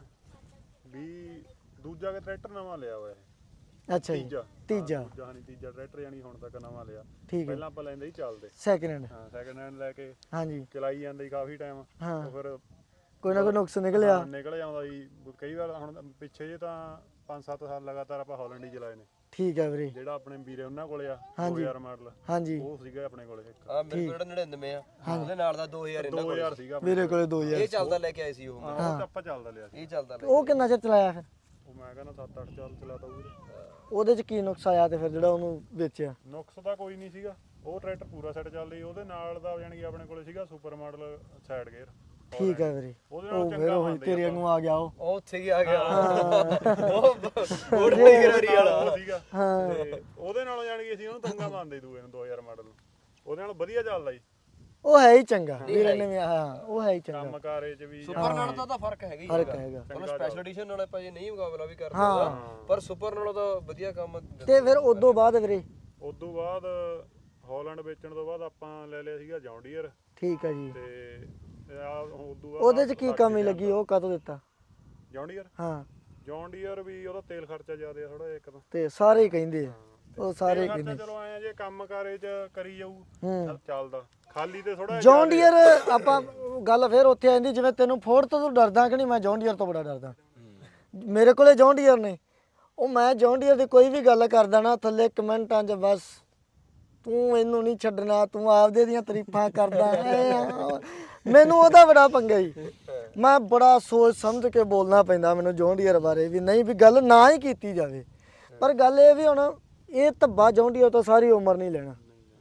E: ਵੀ ਦੂਜਾ ਕੇ ਟਰੈਕਟਰ ਨਵਾਂ ਲਿਆ ਹੋਇਆ
A: ਅੱਛਾ ਜੀ,
E: ਤੀਜਾ
A: ਤੀਜਾ
E: ਦੂਜਾ ਨਹੀਂ ਤੀਜਾ ਟਰੈਕਟਰ ਯਾਨੀ ਹੁਣ ਤੱਕ ਨਵਾਂ ਲਿਆ।
A: ਠੀਕ ਹੈ,
E: ਪਹਿਲਾਂ ਆਪਾਂ ਲੈਂਦੇ ਹੀ ਚੱਲਦੇ,
A: ਸੈਕਿੰਡ ਹੈਂਡ।
E: ਹਾਂ ਸੈਕਿੰਡ ਹੈਂਡ ਲੈ ਕੇ
A: ਹਾਂਜੀ
E: ਚਲਾਈ ਜਾਂਦੇ ਸੀ ਕਾਫੀ ਟਾਈਮ।
A: ਹਾਂ,
E: ਉਹ ਫਿਰ
A: ਕੋਈ ਨਾ ਕੋਈ ਨੁਕਸ ਨਿਕਲਿਆ।
E: ਹਾਂ, ਨਿਕਲ ਜਾਂਦਾ ਸੀ ਕਈ ਵਾਰ। ਹੁਣ ਪਿੱਛੇ ਜੇ ਤਾਂ ਪੰਜ ਸੱਤ ਸਾਲ ਲਗਾਤਾਰ ਆਪਾਂ ਹਾਲੈਂਡ ਹੀ ਚਲਾਏ ਨੇ।
A: ਠੀਕ ਹੈ ਵੀਰੇ,
E: ਜਿਹੜਾ ਆਪਣੇ ਵੀਰੇ ਉਹਨਾਂ ਕੋਲੇ ਆ
A: ਹਾਂਜੀ।
E: ਦੋ ਹਜ਼ਾਰ ਮਾਡਲ,
A: ਹਾਂਜੀ
E: ਉਹ ਸੀਗਾ ਆਪਣੇ ਕੋਲੇ ਇੱਕ
C: ਹਾਂ ਮੇਰੇ ਕੋਲ ਨੜਿਨਵੇਂ ਆ, ਉਹਦੇ ਨਾਲ ਦਾ ਦੋ ਹਜ਼ਾਰ ਇਹਨਾਂ
E: ਦੋ
C: ਕੋਲ
E: ਹਜ਼ਾਰ ਸੀਗਾ ਆਪਣੇ
A: ਮੇਰੇ ਕੋਲੇ ਦੋ ਹਜ਼ਾਰ।
C: ਇਹ ਚੱਲਦਾ ਲੈ ਕੇ ਆਏ ਸੀ ਉਹ।
E: ਕੋਲ। ਹਾਂ, ਉਹ ਤਾਂ ਆਪਾਂ ਚੱਲਦਾ ਲਿਆ ਸੀ।
C: ਇਹ ਚੱਲਦਾ ਲੈ
A: ਉਹ ਕਿੰਨਾ ਚਿਰ ਚਲਾਇਆ ਫਿਰ?
E: ਉਹ ਮੈਂ ਕਹਿੰਦਾ ਸੱਤ ਅੱਠ ਸਾਲ ਚਲਾਤਾ ਉਹ।
A: ਉਹਦੇ ਚ ਕੀ ਨੁਕਸ ਆਇਆ ਤੇ ਫਿਰ ਜਿਹੜਾ ਉਹਨੂੰ ਵੇਚਿਆ?
E: ਨੁਕਸ ਤਾਂ ਕੋਈ ਨਹੀਂ ਸੀਗਾ, ਉਹ ਟਰੈਕਟਰ ਪੂਰਾ ਸੈੱਟ ਚੱਲਦਾ ਸੀ। ਉਹਦੇ ਨਾਲ ਦਾ ਯਾਨੀ ਕਿ ਆਪਣੇ ਕੋਲੇ ਸੀਗਾ ਸੁਪਰ ਮਾਡਲ ਸਾਈਡ ਗੇਅਰ।
A: ਠੀਕ ਹੈ ਵੀਰੇ,
E: ਉਹਦੇ
A: ਉਹ
E: ਨਾਲ
A: ਫਿਰ
E: ਚੰਗਾ
A: ਉਹੀ
E: ਮੰਨਦੇ
A: ਤੇਰੇ ਨੂੰ ਆ ਗਿਆ ਉਹ।
C: ਉਹ ਉੱਥੇ ਹੀ ਆ ਗਿਆ ਉਹ
E: ਉਹ ਸੀਗਾ।
A: ਹਾਂ
E: ਤੇ ਉਹਦੇ ਨਾਲੋਂ ਯਾਨੀ ਕਿ ਅਸੀਂ ਉਹਨੂੰ ਤੰਗਾ ਮੰਨਦੇ ਦੂਏ ਨੂੰ ਦੋ ਹਜ਼ਾਰ ਮਾਡਲ ਨੂੰ। ਉਹਦੇ ਨਾਲ ਵਧੀਆ ਚੱਲਦਾ ਸੀ
A: ਉਹ ਹੈ ਹੀ ਚੰਗਾ ਵੀਰੇ ਨੇ ਵੀ, ਹਾਂ ਉਹ ਹੈ ਹੀ ਚੰਗਾ।
E: ਕੰਮ ਕਾਰੇ ਚ ਵੀ।
C: ਸੁਪਰ ਨਾਲ ਤਾਂ ਉਹਦਾ ਫਰਕ ਹੈਗਾ ਹੀ
A: ਫਰਕ
C: ਹੈਗਾ।
A: ਹੈਗਾ।
C: ਉਹਨੂੰ ਸਪੈਸ਼ਲ ਐਡੀਸ਼ਨ ਨਾਲ ਆਪਾਂ ਜੇ ਨਹੀਂ ਮੁਕਾਬਲਾ ਵੀ ਕਰ ਸਕਦਾ, ਪਰ ਸੁਪਰ ਨਾਲੋਂ ਤਾਂ ਵਧੀਆ ਕੰਮ।
A: ਤੇ ਫਿਰ ਉਦੋਂ ਬਾਅਦ ਵੀਰੇ?
E: ਉਦੋਂ ਬਾਅਦ ਹਾਲੈਂਡ ਵੇਚਣ ਤੋਂ ਬਾਅਦ ਆਪਾਂ ਲੈ ਲਿਆ ਸੀਗਾ ਜੌਨ ਡੀਅਰ।
A: ਠੀਕ ਹੈ ਜੀ।
E: ਤੇ ਆ ਉਦੋਂ ਬਾਅਦ
A: ਉਹਦੇ ਚ ਕੀ ਕਮੀ ਲੱਗੀ, ਉਹ ਕਾਹਤੋਂ ਦਿੱਤਾ?
E: ਜੌਨ ਡੀਅਰ
A: ਹਾਂ
E: ਜੌਨ ਡੀਅਰ ਵੀ ਉਹਦਾ ਤੇਲ ਖਰਚਾ ਜ਼ਿਆਦਾ ਥੋੜਾ ਜਿਹਾ ਇੱਕ ਤਾਂ।
A: ਤੇ ਸਾਰੇ ਹੀ ਕਹਿੰਦੇ ਆ, ਉਹ ਸਾਰੇ
E: ਤੇਲ
A: ਕਹਿੰਦੇ।
E: ਖਰਚਾ ਚਲੋ ਆਏ ਆ ਜੇ ਕੰਮ ਕਾਰੇ ਚ ਕਰੀ ਜਾਊ
A: ਹੂੰ
E: ਤਾਂ ਚੱਲਦਾ, ਖਾਲੀ ਤੇ ਥੋੜਾ
A: ਜੌਨ ਡੀਅਰ ਆਪਾਂ ਗੱਲ ਫਿਰ ਉੱਥੇ ਆ ਜਾਂਦੀ, ਜਿਵੇਂ ਤੈਨੂੰ ਫੋਰਡ ਤੋਂ ਤੂੰ ਡਰਦਾ ਕਿ ਨਹੀਂ, ਮੈਂ ਜੌਨ ਡੀਅਰ ਤੋਂ ਬੜਾ ਡਰਦਾ। ਮੇਰੇ ਕੋਲੇ ਜੌਨ ਡੀਅਰ ਨੇ, ਉਹ ਮੈਂ ਜੌਨ ਡੀਅਰ ਦੀ ਕੋਈ ਵੀ ਗੱਲ ਕਰਦਾ ਨਾ ਥੱਲੇ ਕਮੈਂਟਾਂ 'ਚ ਬਸ ਤੂੰ ਇਹਨੂੰ ਨਹੀਂ ਛੱਡਣਾ, ਤੂੰ ਆਪਦੇ ਦੀਆਂ ਤਾਰੀਫਾਂ ਕਰਦਾ ਹੈ। ਮੈਨੂੰ ਉਹਦਾ ਬੜਾ ਪੰਗਾ ਹੀ, ਮੈਂ ਬੜਾ ਸੋਚ ਸਮਝ ਕੇ ਬੋਲਣਾ ਪੈਂਦਾ ਮੈਨੂੰ ਜੌਨ ਡੀਅਰ ਬਾਰੇ ਵੀ, ਨਹੀਂ ਵੀ ਗੱਲ ਨਾ ਹੀ ਕੀਤੀ ਜਾਵੇ। ਪਰ ਗੱਲ ਇਹ ਵੀ ਹੁਣ ਇਹ ਧੱਬਾ ਜੌਨ ਡੀਅਰ ਤੋਂ ਸਾਰੀ ਉਮਰ ਨਹੀਂ ਲੈਣਾ,